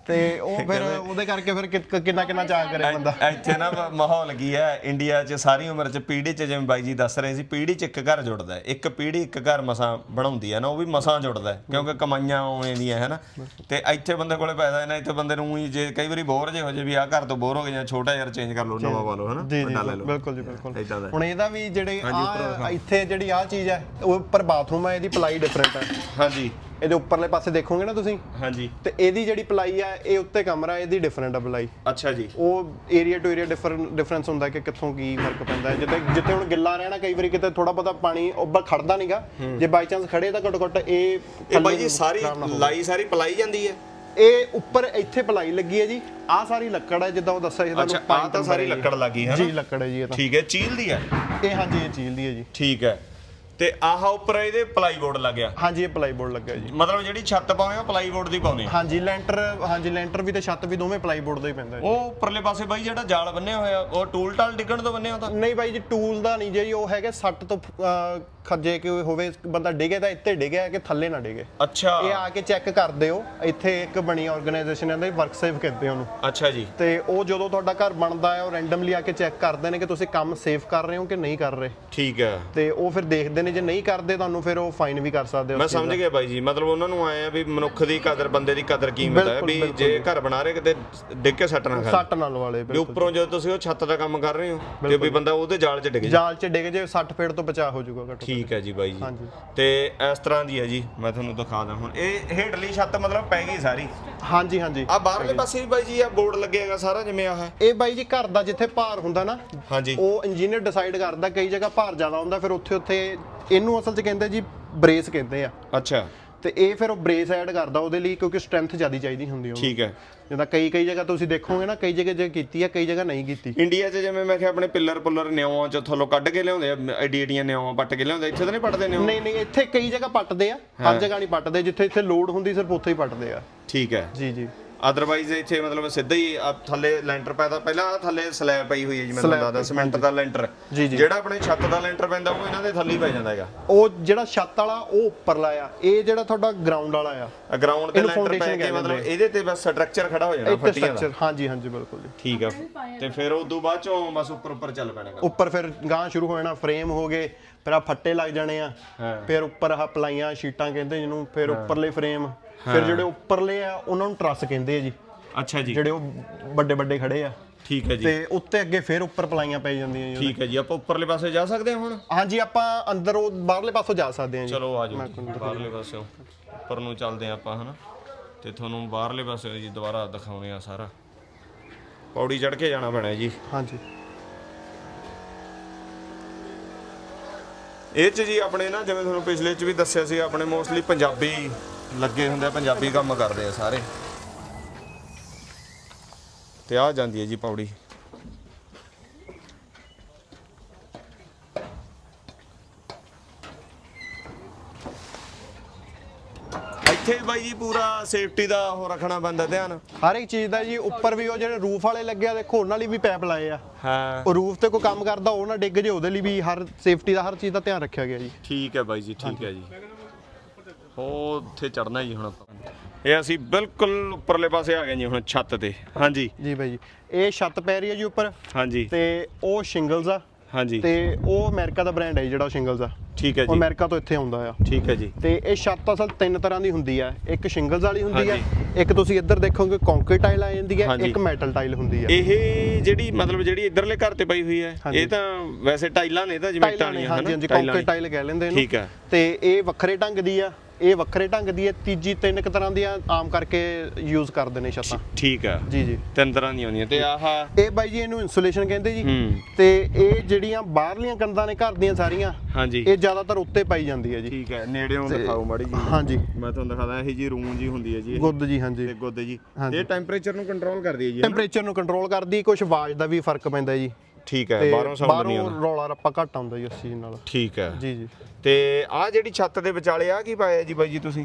Speaker 3: ਤੇ ਉਹ ਫਿਰ ਉਹਦੇ ਕਰਕੇ ਫਿਰ ਕਿ- ਕਿੰਨਾ ਕਿੰਨਾ ਚਾਹ ਕਰੇ ਬੰਦਾ।
Speaker 1: ਇੱਥੇ ਨਾ ਮ- ਮਾਹੌਲ ਕੀ ਹੈ ਇੰਡੀਆ 'ਚ ਸਾਰੀ ਉਮਰ 'ਚ ਪੀੜ੍ਹੀ 'ਚ ਜਿਵੇਂ ਬਾਈ ਜੀ ਦੱਸ ਰਹੇ ਸੀ ਪੀੜ੍ਹੀ 'ਚ ਇੱਕ ਘਰ ਜੁੜਦਾ ਹੈ, ਇੱਕ ਪੀੜ੍ਹੀ ਇੱਕ ਘਰ ਮਸਾਂ ਬਣਾਉਂਦੀ ਹੈ ਨਾ, ਉਹ ਵੀ ਮਸਾਂ ਜੁੜਦਾ ਹੈ, ਕਿਉਂਕਿ ਕਮਾਈਆਂ ਉਵੇਂ ਦੀਆਂ ਹੈ ਨਾ। ਤੇ ਇੱਥੇ ਬੰਦੇ ਕੋਲੇ ਪੈਸਾ ਹੈ ਨਾ, ਇੱਥੇ ਬੰਦੇ ਨੂੰ ਹੀ ਜੇ ਕਈ ਵਾਰੀ ਬੋਰ ਜੇ ਹੋ ਜੇ ਵੀ ਆਹ ਘਰ ਤੋਂ ਬੋਰ ਹੋ ਗਏ ਜਾਂ ਛੋਟਾ ਯਾਰ ਚੇਂਜ ਕਰ ਲਓ, ਨਵਾਂ ਪਾ ਲਓ ਹੈ ਨਾ,
Speaker 3: ਜੀ ਜੀ
Speaker 1: ਵੱਡਾ ਲੈ ਲਓ।
Speaker 3: ਬਿਲਕੁਲ ਜੀ ਬਿਲਕੁਲ।
Speaker 1: ਏਦਾਂ ਦਾ।
Speaker 3: ਹੁਣ ਇਹਦਾ ਵੀ ਜਿਹੜੇ ਆ ਇੱਥੇ ਜਿਹੜੀ ਆ ਚੀਜ਼ ਹੈ ਉਹ ਉੱਪਰ ਬਾਥਰੂਮ ਹੈ, ਇਹਦੀ ਪਲਾਈ ਡਿਫਰੈਂਟ ਹੈ।
Speaker 1: ਹਾਂਜੀ
Speaker 3: ਇਹਦੇ ਉੱਪਰਲੇ ਪਾਸੇ ਦੇਖੋਗੇ ਨਾ ਤੁਸੀਂ,
Speaker 1: ਹਾਂਜੀ
Speaker 3: ਤੇ ਇਹਦੀ ਜਿਹੜੀ ਪਲਾਈ ਆ ਇਹ ਉੱਤੇ ਕਮਰਾ, ਇਹਦੀ ਡਿਫਰੈਂਟ ਆ ਪਲਾਈ।
Speaker 1: ਅੱਛਾ ਜੀ।
Speaker 3: ਉਹ area to area different difference ਹੁੰਦਾ ਕਿ ਕਿੱਥੋਂ ਕੀ ਫਰਕ ਪੈਂਦਾ ਹੈ। ਜਿੱਥੇ ਜਿੱਥੇ ਹੁਣ ਗਿੱਲਾ ਰਹਿਣਾ, ਕਈ ਵਾਰੀ ਕਿਤੇ ਥੋੜਾ ਬਹੁਤਾ ਪਾਣੀ ਉੱਪਰ ਖੜਦਾ ਨਹੀਂਗਾ, ਜੇ ਬਾਈ ਚਾਂਸ ਖੜੇ ਤਾਂ ਘੱਟੋ ਘੱਟ ਇਹ
Speaker 1: ਇਹ ਬਾਈ ਜੀ ਸਾਰੀ ਲਾਈ ਸਾਰੀ ਪਲਾਈ ਜਾਂਦੀ ਹੈ।
Speaker 3: ਇਹ ਉੱਪਰ ਇੱਥੇ ਪਲਾਈ ਲੱਗੀ ਹੈ ਜੀ, ਆਹ ਸਾਰੀ ਲੱਕੜ ਹੈ ਜਿੱਦਾਂ ਉਹ ਦੱਸਿਆ ਸੀ
Speaker 1: ਅੱਛਾ ਆਹ ਤਾਂ ਸਾਰੀ ਲੱਕੜ ਲੱਗੀ ਹੈ
Speaker 3: ਜੀ,
Speaker 1: ਨਾ?
Speaker 3: ਲੱਕੜ ਹੈ ਜੀ ਇਹ ਤਾਂ।
Speaker 1: ਠੀਕ ਹੈ, ਚੀਲ ਦੀ ਹੈ
Speaker 3: ਇਹ ਹਾਂਜੀ ਇਹ ਚੀਲ ਦੀ ਹੈ ਜੀ।
Speaker 1: ਠੀਕ ਹੈ। ਤੇ ਆਹ ਉੱਪਰ ਇਹਦੇ ਪਲਾਈ ਬੋਰਡ ਲੱਗਿਆ,
Speaker 3: ਹਾਂਜੀ ਇਹ ਪਲਾਈ ਬੋਰਡ ਲੱਗਾ ਜੀ।
Speaker 1: ਮਤਲਬ ਜਿਹੜੀ ਛੱਤ ਪਾਉਂਦੇ ਆ ਪਲਾਈ ਬੋਰਡ ਦੀ ਪਾਉਂਦੇ ਆ।
Speaker 3: ਹਾਂਜੀ ਲੈਂਟਰ, ਹਾਂਜੀ ਲੈਂਟਰ ਵੀ ਤੇ ਛੱਤ ਵੀ ਦੋਵੇਂ ਪਲਾਈ ਬੋਰਡ ਦਾ ਹੀ ਪੈਂਦਾ ਜੀ।
Speaker 1: ਉਹ ਉੱਪਰਲੇ ਪਾਸੇ ਬਾਈ ਜਿਹੜਾ ਜਾਲ ਬੰਨਿਆ ਹੋਇਆ ਉਹ ਟੂਲ ਟਾਲ ਡਿੱਗਣ ਤੋਂ ਬੰਨਿਆ ਹੁੰਦਾ?
Speaker 3: ਨਹੀਂ ਬਾਈ ਜੀ ਟੂਲ ਦਾ ਨਹੀਂ ਜੀ, ਉਹ ਹੈਗਾ ਸੱਟ ਤੋਂ ਅਹ, ਖੱਜੇ ਕਿ ਹੋਵੇ ਬੰਦਾ ਡਿੱਗੇ ਤਾਂ ਇੱਥੇ ਡਿੱਗਿਆ ਕਿ ਥੱਲੇ ਨਾ ਡਿੱਗੇ।
Speaker 1: ਅੱਛਾ
Speaker 3: ਇਹ ਆ ਕੇ ਚੈੱਕ ਕਰਦੇ ਹੋ, ਇੱਥੇ ਇੱਕ ਬਣੀ ਆਰਗੇਨਾਈਜੇਸ਼ਨ ਹੈ, ਵਰਕ ਸੇਫ ਕਹਿੰਦੇ ਉਹਨੂੰ।
Speaker 1: ਅੱਛਾ ਜੀ।
Speaker 3: ਤੇ ਉਹ ਜਦੋਂ ਤੁਹਾਡਾ ਘਰ ਬਣਦਾ ਹੈ ਉਹ ਰੈਂਡਮਲੀ ਆ ਕੇ ਚੈੱਕ ਕਰਦੇ ਨੇ ਕਿ ਤੁਸੀਂ ਕੰਮ ਸੇਫ ਕਰ ਰਹੇ ਹੋ ਕਿ ਨਹੀਂ ਕਰ ਰਹੇ।
Speaker 1: ਠੀਕ ਹੈ।
Speaker 3: ਤੇ ਉਹ ਫਿਰ ਦੇਖਦੇ ਨੇ, ਜੇ ਨਹੀਂ ਕਰਦੇ ਤੁਹਾਨੂੰ ਫਿਰ ਉਹ ਫਾਈਨ ਵੀ ਕਰ ਸਕਦੇ ਹੋ।
Speaker 1: ਮੈਂ ਸਮਝ ਗਿਆ ਬਾਈ ਜੀ, ਮਤਲਬ ਉਹਨਾਂ ਨੂੰ ਆਏ ਆ ਵੀ ਮਨੁੱਖ ਦੀ ਕਦਰ, ਬੰਦੇ ਦੀ ਕਦਰ ਕੀਮਤ ਹੈ, ਵੀ ਜੇ ਘਰ ਬਣਾ ਰਹੇ ਕਿਤੇ ਡਿੱਗ ਕੇ ਸੱਟ ਨਾ ਖਾਏ।
Speaker 3: ਸੱਟ ਨਾਲ ਵਾਲੇ
Speaker 1: ਵੀ ਉੱਪਰੋਂ ਜਦੋਂ ਤੁਸੀਂ ਉਹ ਛੱਤ ਦਾ ਕੰਮ ਕਰ ਰਹੇ ਹੋ ਤੇ ਵੀ ਬੰਦਾ ਉਹਦੇ ਜਾਲ 'ਚ ਡਿੱਗ ਜਾ।
Speaker 3: ਜਾਲ 'ਚ ਡਿੱਗ ਜੇ ਸੱਟ ਫੇਟ ਤੋਂ ਬਚਾ ਹੋ ਜਾਊਗਾ ਘੱਟੋ।
Speaker 1: ਠੀਕ ਹੈ ਜੀ ਬਾਈ ਜੀ।
Speaker 3: ਹਾਂਜੀ।
Speaker 1: ਤੇ ਇਸ ਤਰ੍ਹਾਂ ਦੀ ਹੈ ਜੀ, ਮੈਂ ਤੁਹਾਨੂੰ ਦਿਖਾ ਦਾਂ ਹੁਣ। ਇਹ ਹੇਠਲੀ ਛੱਤ ਮਤਲਬ ਪੈ ਗਈ ਸਾਰੀ?
Speaker 3: ਹਾਂਜੀ ਹਾਂਜੀ।
Speaker 1: ਆ ਬਾਹਰਲੇ ਪਾਸੇ ਵੀ ਬਾਈ ਜੀ ਆ ਬੋਰਡ ਲੱਗੇਗਾ ਸਾਰਾ ਜਿਵੇਂ ਆਹ?
Speaker 3: ਇਹ ਬਾਈ ਜੀ ਘਰ ਦਾ ਜਿੱਥੇ ਭਾਰ ਹੁੰਦਾ ਨਾ,
Speaker 1: ਹਾਂਜੀ,
Speaker 3: ਉਹ ਇੰਜੀਨੀਅਰ ਡਿਸਾਈਡ ਕਰਦਾ। ਕਈ ਜਗ੍ਹਾ ਭਾਰ ਜ਼ਿਆਦਾ ਹੁੰਦਾ, ਫਿਰ ਉੱਥੇ ਉੱਥੇ ਇਹਨੂੰ ਅਸਲ 'ਚ ਕਹਿੰਦੇ ਜੀ ਬ੍ਰੇਸ ਕਹਿੰਦੇ ਆ।
Speaker 1: ਅੱਛਾ।
Speaker 3: ਤੇ ਇਹ ਫਿਰ ਉਹ ਬ੍ਰੇਸ ਐਡ ਕਰਦਾ ਉਹਦੇ ਲਈ, ਕਿਉਂਕਿ ਸਟਰੈਂਥ ਜ਼ਿਆਦਾ ਚਾਹੀਦੀ ਹੁੰਦੀ ਉਹਨੂੰ।
Speaker 1: ਠੀਕ ਹੈ।
Speaker 3: ਜਿੱਦਾਂ ਕਈ ਕਈ ਜਗ੍ਹਾ ਤੁਸੀਂ ਦੇਖੋਗੇ ਨਾ, ਕਈ ਜਗ੍ਹਾ ਜੇ ਕੀਤੀ ਆ, ਕਈ ਜਗ੍ਹਾ ਨਹੀਂ ਕੀਤੀ।
Speaker 1: ਇੰਡੀਆ 'ਚ ਜਿਵੇਂ ਮੈਂ ਕਿਹਾ ਆਪਣੇ ਪਿੱਲਰ ਪੁੱਲਰ ਨਿਉਆਂ 'ਚ ਥੱਲੋਂ ਕੱਢ ਕੇ ਲਿਆਉਂਦੇ ਆ, ਐਡੀ ਐਡੀਆਂ ਨਿਉਆਂ ਪੱਟ ਕੇ ਲਿਆਉਂਦੇ, ਇੱਥੇ ਤਾਂ ਨਹੀਂ ਪੱਟਦੇ ਨਿਉਂ?
Speaker 3: ਨਹੀਂ ਨਹੀਂ, ਇੱਥੇ ਕਈ ਜਗ੍ਹਾ ਪੱਟਦੇ ਆ, ਹਰ ਜਗ੍ਹਾ ਨਹੀਂ ਪੱਟਦੇ। ਜਿੱਥੇ ਇੱਥੇ ਲੋਡ ਹੁੰਦੀ ਸਿਰਫ ਉੱਥੇ ਹੀ ਪੱਟਦੇ ਆ।
Speaker 1: ਠੀਕ ਹੈ ਜੀ
Speaker 3: ਜੀ।
Speaker 1: ਅਦਰਵਾਈਜ਼ ਇੱਥੇ ਮਤਲਬ ਸਿੱਧਾ ਹੀ ਆ ਥੱਲੇ ਲੈਂਟਰ ਪੈਦਾ, ਪਹਿਲਾਂ ਆ ਥੱਲੇ ਸਲੈਬ ਪਈ ਹੋਈ ਹੈ ਜੀ, ਮੈਨੂੰ ਲੱਗਦਾ ਸਿਮੈਂਟ ਦਾ ਲੈਂਟਰ।
Speaker 3: ਜੀ ਜੀ।
Speaker 1: ਜਿਹੜਾ ਆਪਣੇ ਛੱਤ ਦਾ ਲੈਂਟਰ ਪੈਂਦਾ ਉਹ ਇਹਨਾਂ ਦੇ ਥੱਲੇ ਹੀ ਪੈ ਜਾਂਦਾ ਹੈਗਾ।
Speaker 3: ਉਹ ਜਿਹੜਾ ਛੱਤ ਵਾਲਾ ਉਹ ਉੱਪਰਲਾ ਆ, ਇਹ ਜਿਹੜਾ ਤੁਹਾਡਾ ਗਰਾਊਂਡ ਵਾਲਾ ਆ,
Speaker 1: ਗਰਾਊਂਡ ਤੇ
Speaker 3: ਇਹਨੂੰ
Speaker 1: ਲੈਂਟਰ ਪੈ
Speaker 3: foundation
Speaker 1: ਕੇ
Speaker 3: ਕਹਿੰਦੇ
Speaker 1: ਮਤਲਬ ਇਹਦੇ ਤੇ ਬਸ ਸਟਰਕਚਰ ਖੜਾ ਹੋ ਜਾਣਾ
Speaker 3: ਇੱਥੇ
Speaker 1: ਫੱਟੀਆਂ ਦਾ।
Speaker 3: ਸਟਰਕਚਰ। ਹਾਂਜੀ ਹਾਂਜੀ ਬਿਲਕੁਲ ਜੀ।
Speaker 1: ਠੀਕ ਆ। ਤੇ ਫਿਰ ਉਸ ਤੋਂ ਬਾਅਦ ਚੋਂ ਬਸ ਉੱਪਰ ਉੱਪਰ ਚੱਲ ਪੈਣਾ ਗਾ।
Speaker 3: ਉੱਪਰ ਫਿਰ ਗਾਂ ਸ਼ੁਰੂ ਹੋ ਜਾਣਾ, ਫਰੇਮ ਹੋ ਗਏ, ਫਿਰ ਆ ਫੱਟੇ ਲੱਗ ਜਾਣੇ ਆ, ਫਿਰ ਉੱਪਰ ਆਹ ਪਲਾਈਆਂ ਸ਼ੀਟਾਂ ਕਹਿੰਦੇ ਜਿਹਨੂੰ, ਫਿਰ ਉੱਪਰਲੇ ਫਰੇਮ, ਫਿਰ ਜਿਹੜੇ ਉੱਪਰਲੇ ਆ ਉਹਨਾਂ ਨੂੰ ਟਰੱਸ ਕਹਿੰਦੇ ਆ ਜੀ।
Speaker 1: ਅੱਛਾ ਜੀ।
Speaker 3: ਜਿਹੜੇ ਉਹ ਵੱਡੇ ਵੱਡੇ ਖੜੇ ਆ।
Speaker 1: ਠੀਕ ਹੈ ਜੀ।
Speaker 3: ਤੇ ਉੱਤੇ ਅੱਗੇ ਫਿਰ ਉੱਪਰ ਪਲਾਈਆਂ ਪੈ ਜਾਂਦੀਆਂ ਜੀ।
Speaker 1: ਠੀਕ ਹੈ ਜੀ। ਆਪਾਂ ਉੱਪਰਲੇ ਪਾਸੇ ਜਾ ਸਕਦੇ ਹਾਂ ਹੁਣ?
Speaker 3: ਹਾਂਜੀ ਆਪਾਂ ਅੰਦਰ ਉਹ ਬਾਹਰਲੇ ਪਾਸੋਂ ਜਾ ਸਕਦੇ ਹਾਂ ਜੀ।
Speaker 1: ਚਲੋ ਆ ਜਾਓ ਜੀ, ਬਾਹਰਲੇ ਪਾਸਿਓਂ ਉੱਪਰ ਨੂੰ ਚੱਲਦੇ ਹਾਂ ਆਪਾਂ, ਹਨਾ। ਤੇ ਤੁਹਾਨੂੰ ਬਾਹਰਲੇ ਪਾਸੇ ਜੀ ਦੁਬਾਰਾ ਦਿਖਾਉਣੇ ਆ ਸਾਰਾ। ਪੌੜੀ ਚੜ੍ਹ ਕੇ ਜਾਣਾ ਪੈਣਾ ਜੀ।
Speaker 3: ਹਾਂਜੀ।
Speaker 1: ਇਹ 'ਚ ਜੀ ਆਪਣੇ ਨਾ ਜਿਵੇਂ ਤੁਹਾਨੂੰ ਪਿਛਲੇ 'ਚ ਵੀ ਦੱਸਿਆ ਸੀ, ਆਪਣੇ ਮੋਸਟਲੀ ਪੰਜਾਬੀ ਲੱਗੇ ਹੁੰਦੇ ਆ, ਪੰਜਾਬੀ ਕੰਮ ਕਰਦੇ ਆ ਸਾਰੇ। ਤੇ ਆ ਜਾਂਦੀ ਹੈ ਜੀ ਪੌੜੀ। ਇੱਥੇ ਬਾਈ ਜੀ ਪੂਰਾ ਸੇਫਟੀ ਦਾ ਉਹ ਰੱਖਣਾ ਪੈਂਦਾ ਧਿਆਨ।
Speaker 3: ਹਰ ਇੱਕ ਚੀਜ਼ ਦਾ ਜੀ। ਉੱਪਰ ਵੀ ਉਹ ਜਿਹੜੇ ਰੂਫ ਵਾਲੇ ਲੱਗੇ ਆ, ਦੇਖੋ ਉਹਨਾਂ ਲਈ ਵੀ ਪੈਪ ਲਾਏ ਆ।
Speaker 1: ਹਾਂ।
Speaker 3: ਉਹ ਰੂਫ ਤੇ ਕੋਈ ਕੰਮ ਕਰਦਾ ਉਹ ਨਾ ਡਿੱਗ ਜੇ, ਉਹਦੇ ਲਈ ਵੀ ਹਰ ਸੇਫਟੀ ਦਾ ਹਰ ਚੀਜ਼ ਦਾ ਧਿਆਨ ਰੱਖਿਆ ਗਿਆ ਜੀ।
Speaker 1: ਠੀਕ ਹੈ ਬਾਈ ਜੀ, ਠੀਕ ਹੈ ਜੀ। ਉਹ ਉੱਥੇ ਚੜਨਾ ਜੀ ਹੁਣ ਆਪਾਂ। ਇਹ ਅਸੀਂ ਬਿਲਕੁਲ ਉੱਪਰਲੇ ਪਾਸੇ ਆ ਗਏ ਜੀ ਹੁਣ ਛੱਤ ਤੇ। ਹਾਂਜੀ
Speaker 3: ਜੀ ਬਾਈ ਜੀ। ਇਹ ਛੱਤ ਪੈ ਰਹੀ ਹੈ ਜੀ ਉੱਪਰ,
Speaker 1: ਹਾਂਜੀ।
Speaker 3: ਤੇ ਉਹ ਸ਼ਿੰਗਲਸ ਆ।
Speaker 1: ਹਾਂਜੀ।
Speaker 3: ਤੇ ਉਹ ਅਮਰੀਕਾ ਦਾ ਬ੍ਰਾਂਡ ਹੈ ਜਿਹੜਾ ਸ਼ਿੰਗਲਸ ਆ।
Speaker 1: ਠੀਕ ਹੈ
Speaker 3: ਉਹ
Speaker 1: ਜੀ।
Speaker 3: ਅਮਰੀਕਾ ਤੋਂ ਇੱਥੇ ਆਉਂਦਾ ਆ।
Speaker 1: ਠੀਕ ਹੈ ਜੀ।
Speaker 3: ਤੇ ਇਹ ਛੱਤ ਅਸਲ ਤਿੰਨ ਤਰ੍ਹਾਂ ਦੀ ਹੁੰਦੀ ਆ। ਇੱਕ ਸ਼ਿੰਗਲਸ ਵਾਲੀ ਹੁੰਦੀ ਆ, ਇੱਕ ਤੁਸੀਂ ਇੱਧਰ ਦੇਖੋਗੇ ਕੰਕਰੀਟ ਟਾਈਲ ਆ ਜਾਂਦੀ ਹੈ, ਇੱਕ ਮੈਟਲ ਟਾਈਲ ਹੁੰਦੀ ਆ।
Speaker 1: ਇਹ ਜਿਹੜੀ ਮਤਲਬ ਜਿਹੜੀ ਇੱਧਰਲੇ ਘਰ ਤੇ ਪਈ ਹੋਈ ਹੈ, ਇਹ ਤਾਂ ਵੈਸੇ ਟਾਈਲਾਂ ਨੇ, ਤਾਂ ਜਿਵੇਂ ਟਾਈਲਾਂ।
Speaker 3: ਹਾਂਜੀ ਹਾਂਜੀ, ਕੰਕਰੀਟ ਟਾਈਲ ਕਹਿ ਲੈਂਦੇ ਇਹਨੂੰ।
Speaker 1: ਠੀਕ ਹੈ।
Speaker 3: ਤੇ ਇਹ ਵੱਖਰੇ ਢੰਗ ਦੀ ਆ, ਇਹ ਵੱਖਰੇ ਢੰਗ ਦੀ ਹੈ। ਤੀਜੀ ਤਿੰਨ ਕੁ ਤਰ੍ਹਾਂ ਦੀਆਂ ਆਮ ਕਰਕੇ ਯੂਜ਼ ਕਰਦੇ ਨੇ ਛੱਤਾਂ।
Speaker 1: ਠੀਕ ਹੈ
Speaker 3: ਜੀ ਜੀ।
Speaker 1: ਤਿੰਨ ਤਰ੍ਹਾਂ ਦੀਆਂ ਹੁੰਦੀਆਂ। ਤੇ ਆਹ
Speaker 3: ਇਹ ਬਾਈ ਜੀ ਇਹਨੂੰ ਇਨਸੂਲੇਸ਼ਨ ਕਹਿੰਦੇ ਜੀ।
Speaker 1: ਹੂੰ।
Speaker 3: ਤੇ ਇਹ ਜਿਹੜੀਆਂ ਬਾਹਰਲੀਆਂ ਕੰਧਾਂ ਨੇ ਘਰ ਦੀਆਂ ਸਾਰੀਆਂ,
Speaker 1: ਹਾਂਜੀ,
Speaker 3: ਇਹ ਜ਼ਿਆਦਾਤਰ ਉੱਤੇ ਪਾਈ ਜਾਂਦੀ ਹੈ ਜੀ।
Speaker 1: ਠੀਕ ਹੈ। ਨੇੜਿਓਂ ਦਿਖਾਓ ਮਾੜੀ ਜੀ।
Speaker 3: ਹਾਂਜੀ।
Speaker 1: ਮੈਂ ਤੁਹਾਨੂੰ ਦਿਖਾਦਾ, ਇਹ ਜੀ ਰੂਮ ਜੀ ਹੁੰਦੀ ਹੈ ਜੀ,
Speaker 3: ਗੁੱਦ ਜੀ। ਹਾਂਜੀ।
Speaker 1: ਤੇ ਗੁੱਦ ਜੀ। ਇਹ ਟੈਂਪਰੇਚਰ ਨੂੰ ਕੰਟਰੋਲ ਕਰਦੀ ਹੈ ਜੀ।
Speaker 3: ਟੈਂਪਰੇਚਰ ਨੂੰ ਕੰਟਰੋਲ ਕਰਦੀ, ਕੁਝ ਆਵਾਜ਼ ਦਾ ਵੀ ਫਰਕ ਪੈਂਦਾ ਜੀ।
Speaker 1: ਠੀਕ ਹੈ। ਬਾਹਰੋਂ ਸਾਊਂਡ ਨਹੀਂ ਆਉਂਦਾ,
Speaker 3: ਰੌਲਾ ਰੱਪਾ ਘੱਟ ਆਉਂਦਾ ਜੀ ਉਸ ਚੀਜ਼ ਨਾਲ।
Speaker 1: ਠੀਕ ਹੈ
Speaker 3: ਜੀ ਜੀ।
Speaker 1: ਤੇ ਆਹ ਜਿਹੜੀ ਛੱਤ ਦੇ ਵਿਚਾਲੇ ਆ ਕੀ ਪਾਇਆ ਜੀ ਬਾਈ ਜੀ ਤੁਸੀਂ?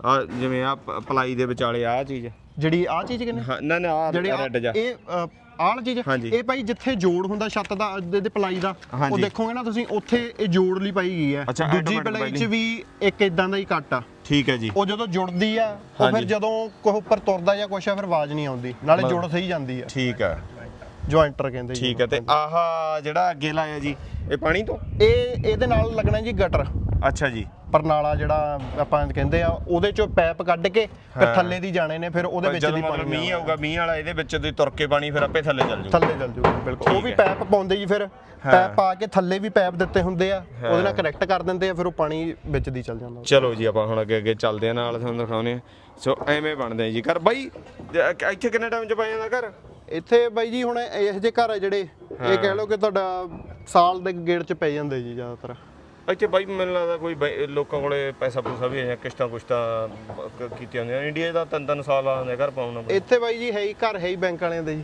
Speaker 1: ਆ ਜਿਵੇਂ ਆ ਪਲਾਈ ਦੇ ਵਿਚਾਲੇ ਆ ਚੀਜ਼
Speaker 3: ਜਿਹੜੀ ਆ ਚੀਜ਼ ਕਿੰਨੇ
Speaker 1: ਹਾਂ ਨਾ ਨਾ ਆ
Speaker 3: ਜਿਹੜੀ ਆਹ-
Speaker 1: ਰੈੱਡ ਜਾ
Speaker 3: ਇਹ ਅ, ਆਹ ਚੀਜ਼
Speaker 1: ਹਾਂਜੀ।
Speaker 3: ਇਹ ਭਾਈ ਜਿੱਥੇ ਜੋੜ ਹੁੰਦਾ ਛੱਤ ਦਾ ਇਹਦੇ ਪਲਾਈ ਦਾ ਉਹ
Speaker 1: ਹਾਂਜੀ।
Speaker 3: ਦੇਖੋਗੇ ਨਾ ਤੁਸੀਂ ਉੱਥੇ ਇਹ ਜੋੜ ਲਈ ਪਾਈ ਗਈ ਹੈ
Speaker 1: ਅੱਛਾ,
Speaker 3: ਦੂਜੀ
Speaker 1: automatic
Speaker 3: ਪਲਾਈ 'ਚ
Speaker 1: binding।
Speaker 3: ਵੀ ਇੱਕ ਇਦਾਂ ਦਾ ਹੀ ਕੱਟ ਆ
Speaker 1: ਠੀਕ ਹੈ ਜੀ
Speaker 3: ਉਹ ਜਦੋਂ ਜੁੜਦੀ ਆ ਉਹ
Speaker 1: ਹਾਂਜੀ।
Speaker 3: ਫਿਰ ਜਦੋਂ ਕੋਈ ਉੱਪਰ ਤੁਰਦਾ ਜਾਂ ਕੁਛ ਆ ਫਿਰ ਆਵਾਜ਼ ਨਹੀਂ ਆਉਂਦੀ ਨਾਲੇ ਜੁੜ ਸਹੀ ਜਾਂਦੀ ਆ
Speaker 1: ਠੀਕ ਹੈ
Speaker 3: ਜੁਆਇੰਟਰ ਕਹਿੰਦੇ ਜੀ
Speaker 1: ਠੀਕ ਹੈ ਤੇ ਆਹ ਜਿਹੜਾ ਅੱਗੇ ਲਾਇਆ ਜੀ ਇਹ ਪਾਣੀ ਤੋਂ
Speaker 3: ਇਹ ਇਹਦੇ ਨਾਲ ਲੱਗਣਾ ਜੀ ਗਟਰ
Speaker 1: ਅੱਛਾ ਜੀ
Speaker 3: ਪਰਨਾਲਾ ਜਿਹੜਾ ਆਪਾਂ ਕਹਿੰਦੇ ਆ ਉਹਦੇ ਚੋਂ ਪੈਪ ਕੱਢ ਕੇ ਫਿਰ ਥੱਲੇ ਦੀ ਜਾਣੇ ਨੇ ਫਿਰ ਉਹਦੇ ਵਿੱਚ
Speaker 1: ਜਦੋਂ
Speaker 3: ਦੀ
Speaker 1: ਮਤਲਬ
Speaker 3: ਪਾਣੀ
Speaker 1: ਮੀਂਹ ਆਊਗਾ ਮੀਂਹ ਵਾਲਾ ਇਹਦੇ ਵਿੱਚ ਦੀ ਤੁਰ ਕੇ ਪਾਣੀ ਫਿਰ ਆਪੇ ਥੱਲੇ ਚੱਲ ਜਾਊਗਾ
Speaker 3: ਥੱਲੇ ਚੱਲ ਜੂਗਾ ਬਿਲਕੁਲ ਉਹ
Speaker 1: ਠੀਕ
Speaker 3: ਵੀ
Speaker 1: ਹੈ।
Speaker 3: ਪੈਪ ਪਾਉਂਦੇ ਜੀ ਫਿਰ ਪੈਪ ਪਾ ਕੇ ਥੱਲੇ ਵੀ ਪੈਪ ਦਿੱਤੇ ਹੁੰਦੇ ਆ ਉਹਦੇ ਨਾਲ ਕਨੈਕਟ ਕਰ ਦਿੰਦੇ ਆ ਫਿਰ ਉਹ ਪਾਣੀ ਵਿੱਚ ਦੀ ਚੱਲ ਜਾਂਦਾ
Speaker 1: ਚਲੋ ਜੀ ਆਪਾਂ ਹੁਣ ਅੱਗੇ ਅੱਗੇ ਚੱਲਦੇ ਆ ਨਾਲ ਤੁਹਾਨੂੰ ਦਿਖਾਉਨੇ ਆ ਸੋ ਐਵੇਂ ਬਣਦੇ ਆ ਜੀ ਘਰ ਬਾਈ ਜ- ਇੱਥੇ ਕਿੰਨੇ ਟਾਈਮ ਚ ਪੈ ਜਾਂਦਾ ਘਰ
Speaker 3: ਇੱਥੇ ਬਾਈ ਜੀ ਹੁਣ ਇਹੋ ਜਿਹੇ ਘਰ ਆ ਜਿਹੜੇ ਇਹ ਕਹਿ ਲਓ ਕਿ ਤੁਹਾਡਾ ਸਾਲ ਦੇ ਗੇੜ ਚ ਪੈ ਜਾਂਦੇ ਜੀ ਜ਼ਿਆਦਾਤਰ
Speaker 1: ਇੱਥੇ ਬਾਈ ਮੈਨੂੰ ਲੱਗਦਾ ਕੋਈ ਬਾਈ- ਲੋਕਾਂ ਕੋਲੇ ਪੈਸਾ ਪੂਸਾ ਵੀ ਹੈ ਕਿਸ਼ਤਾਂ ਕੁਸ਼ਤਾਂ ਕ- ਕੀਤੀਆਂ ਹੁੰਦੀਆਂ ਇੰਡੀਆ ਦਾ ਤਿੰਨ ਤਿੰਨ ਸਾਲ ਆ ਹੁੰਦੇ ਘਰ ਪਾਉਣਾ
Speaker 3: ਇੱਥੇ ਬਾਈ ਜੀ ਹੈ ਹੀ ਘਰ ਹੈ ਹੀ ਬੈਂਕ ਵਾਲਿਆਂ ਦੇ ਜੀ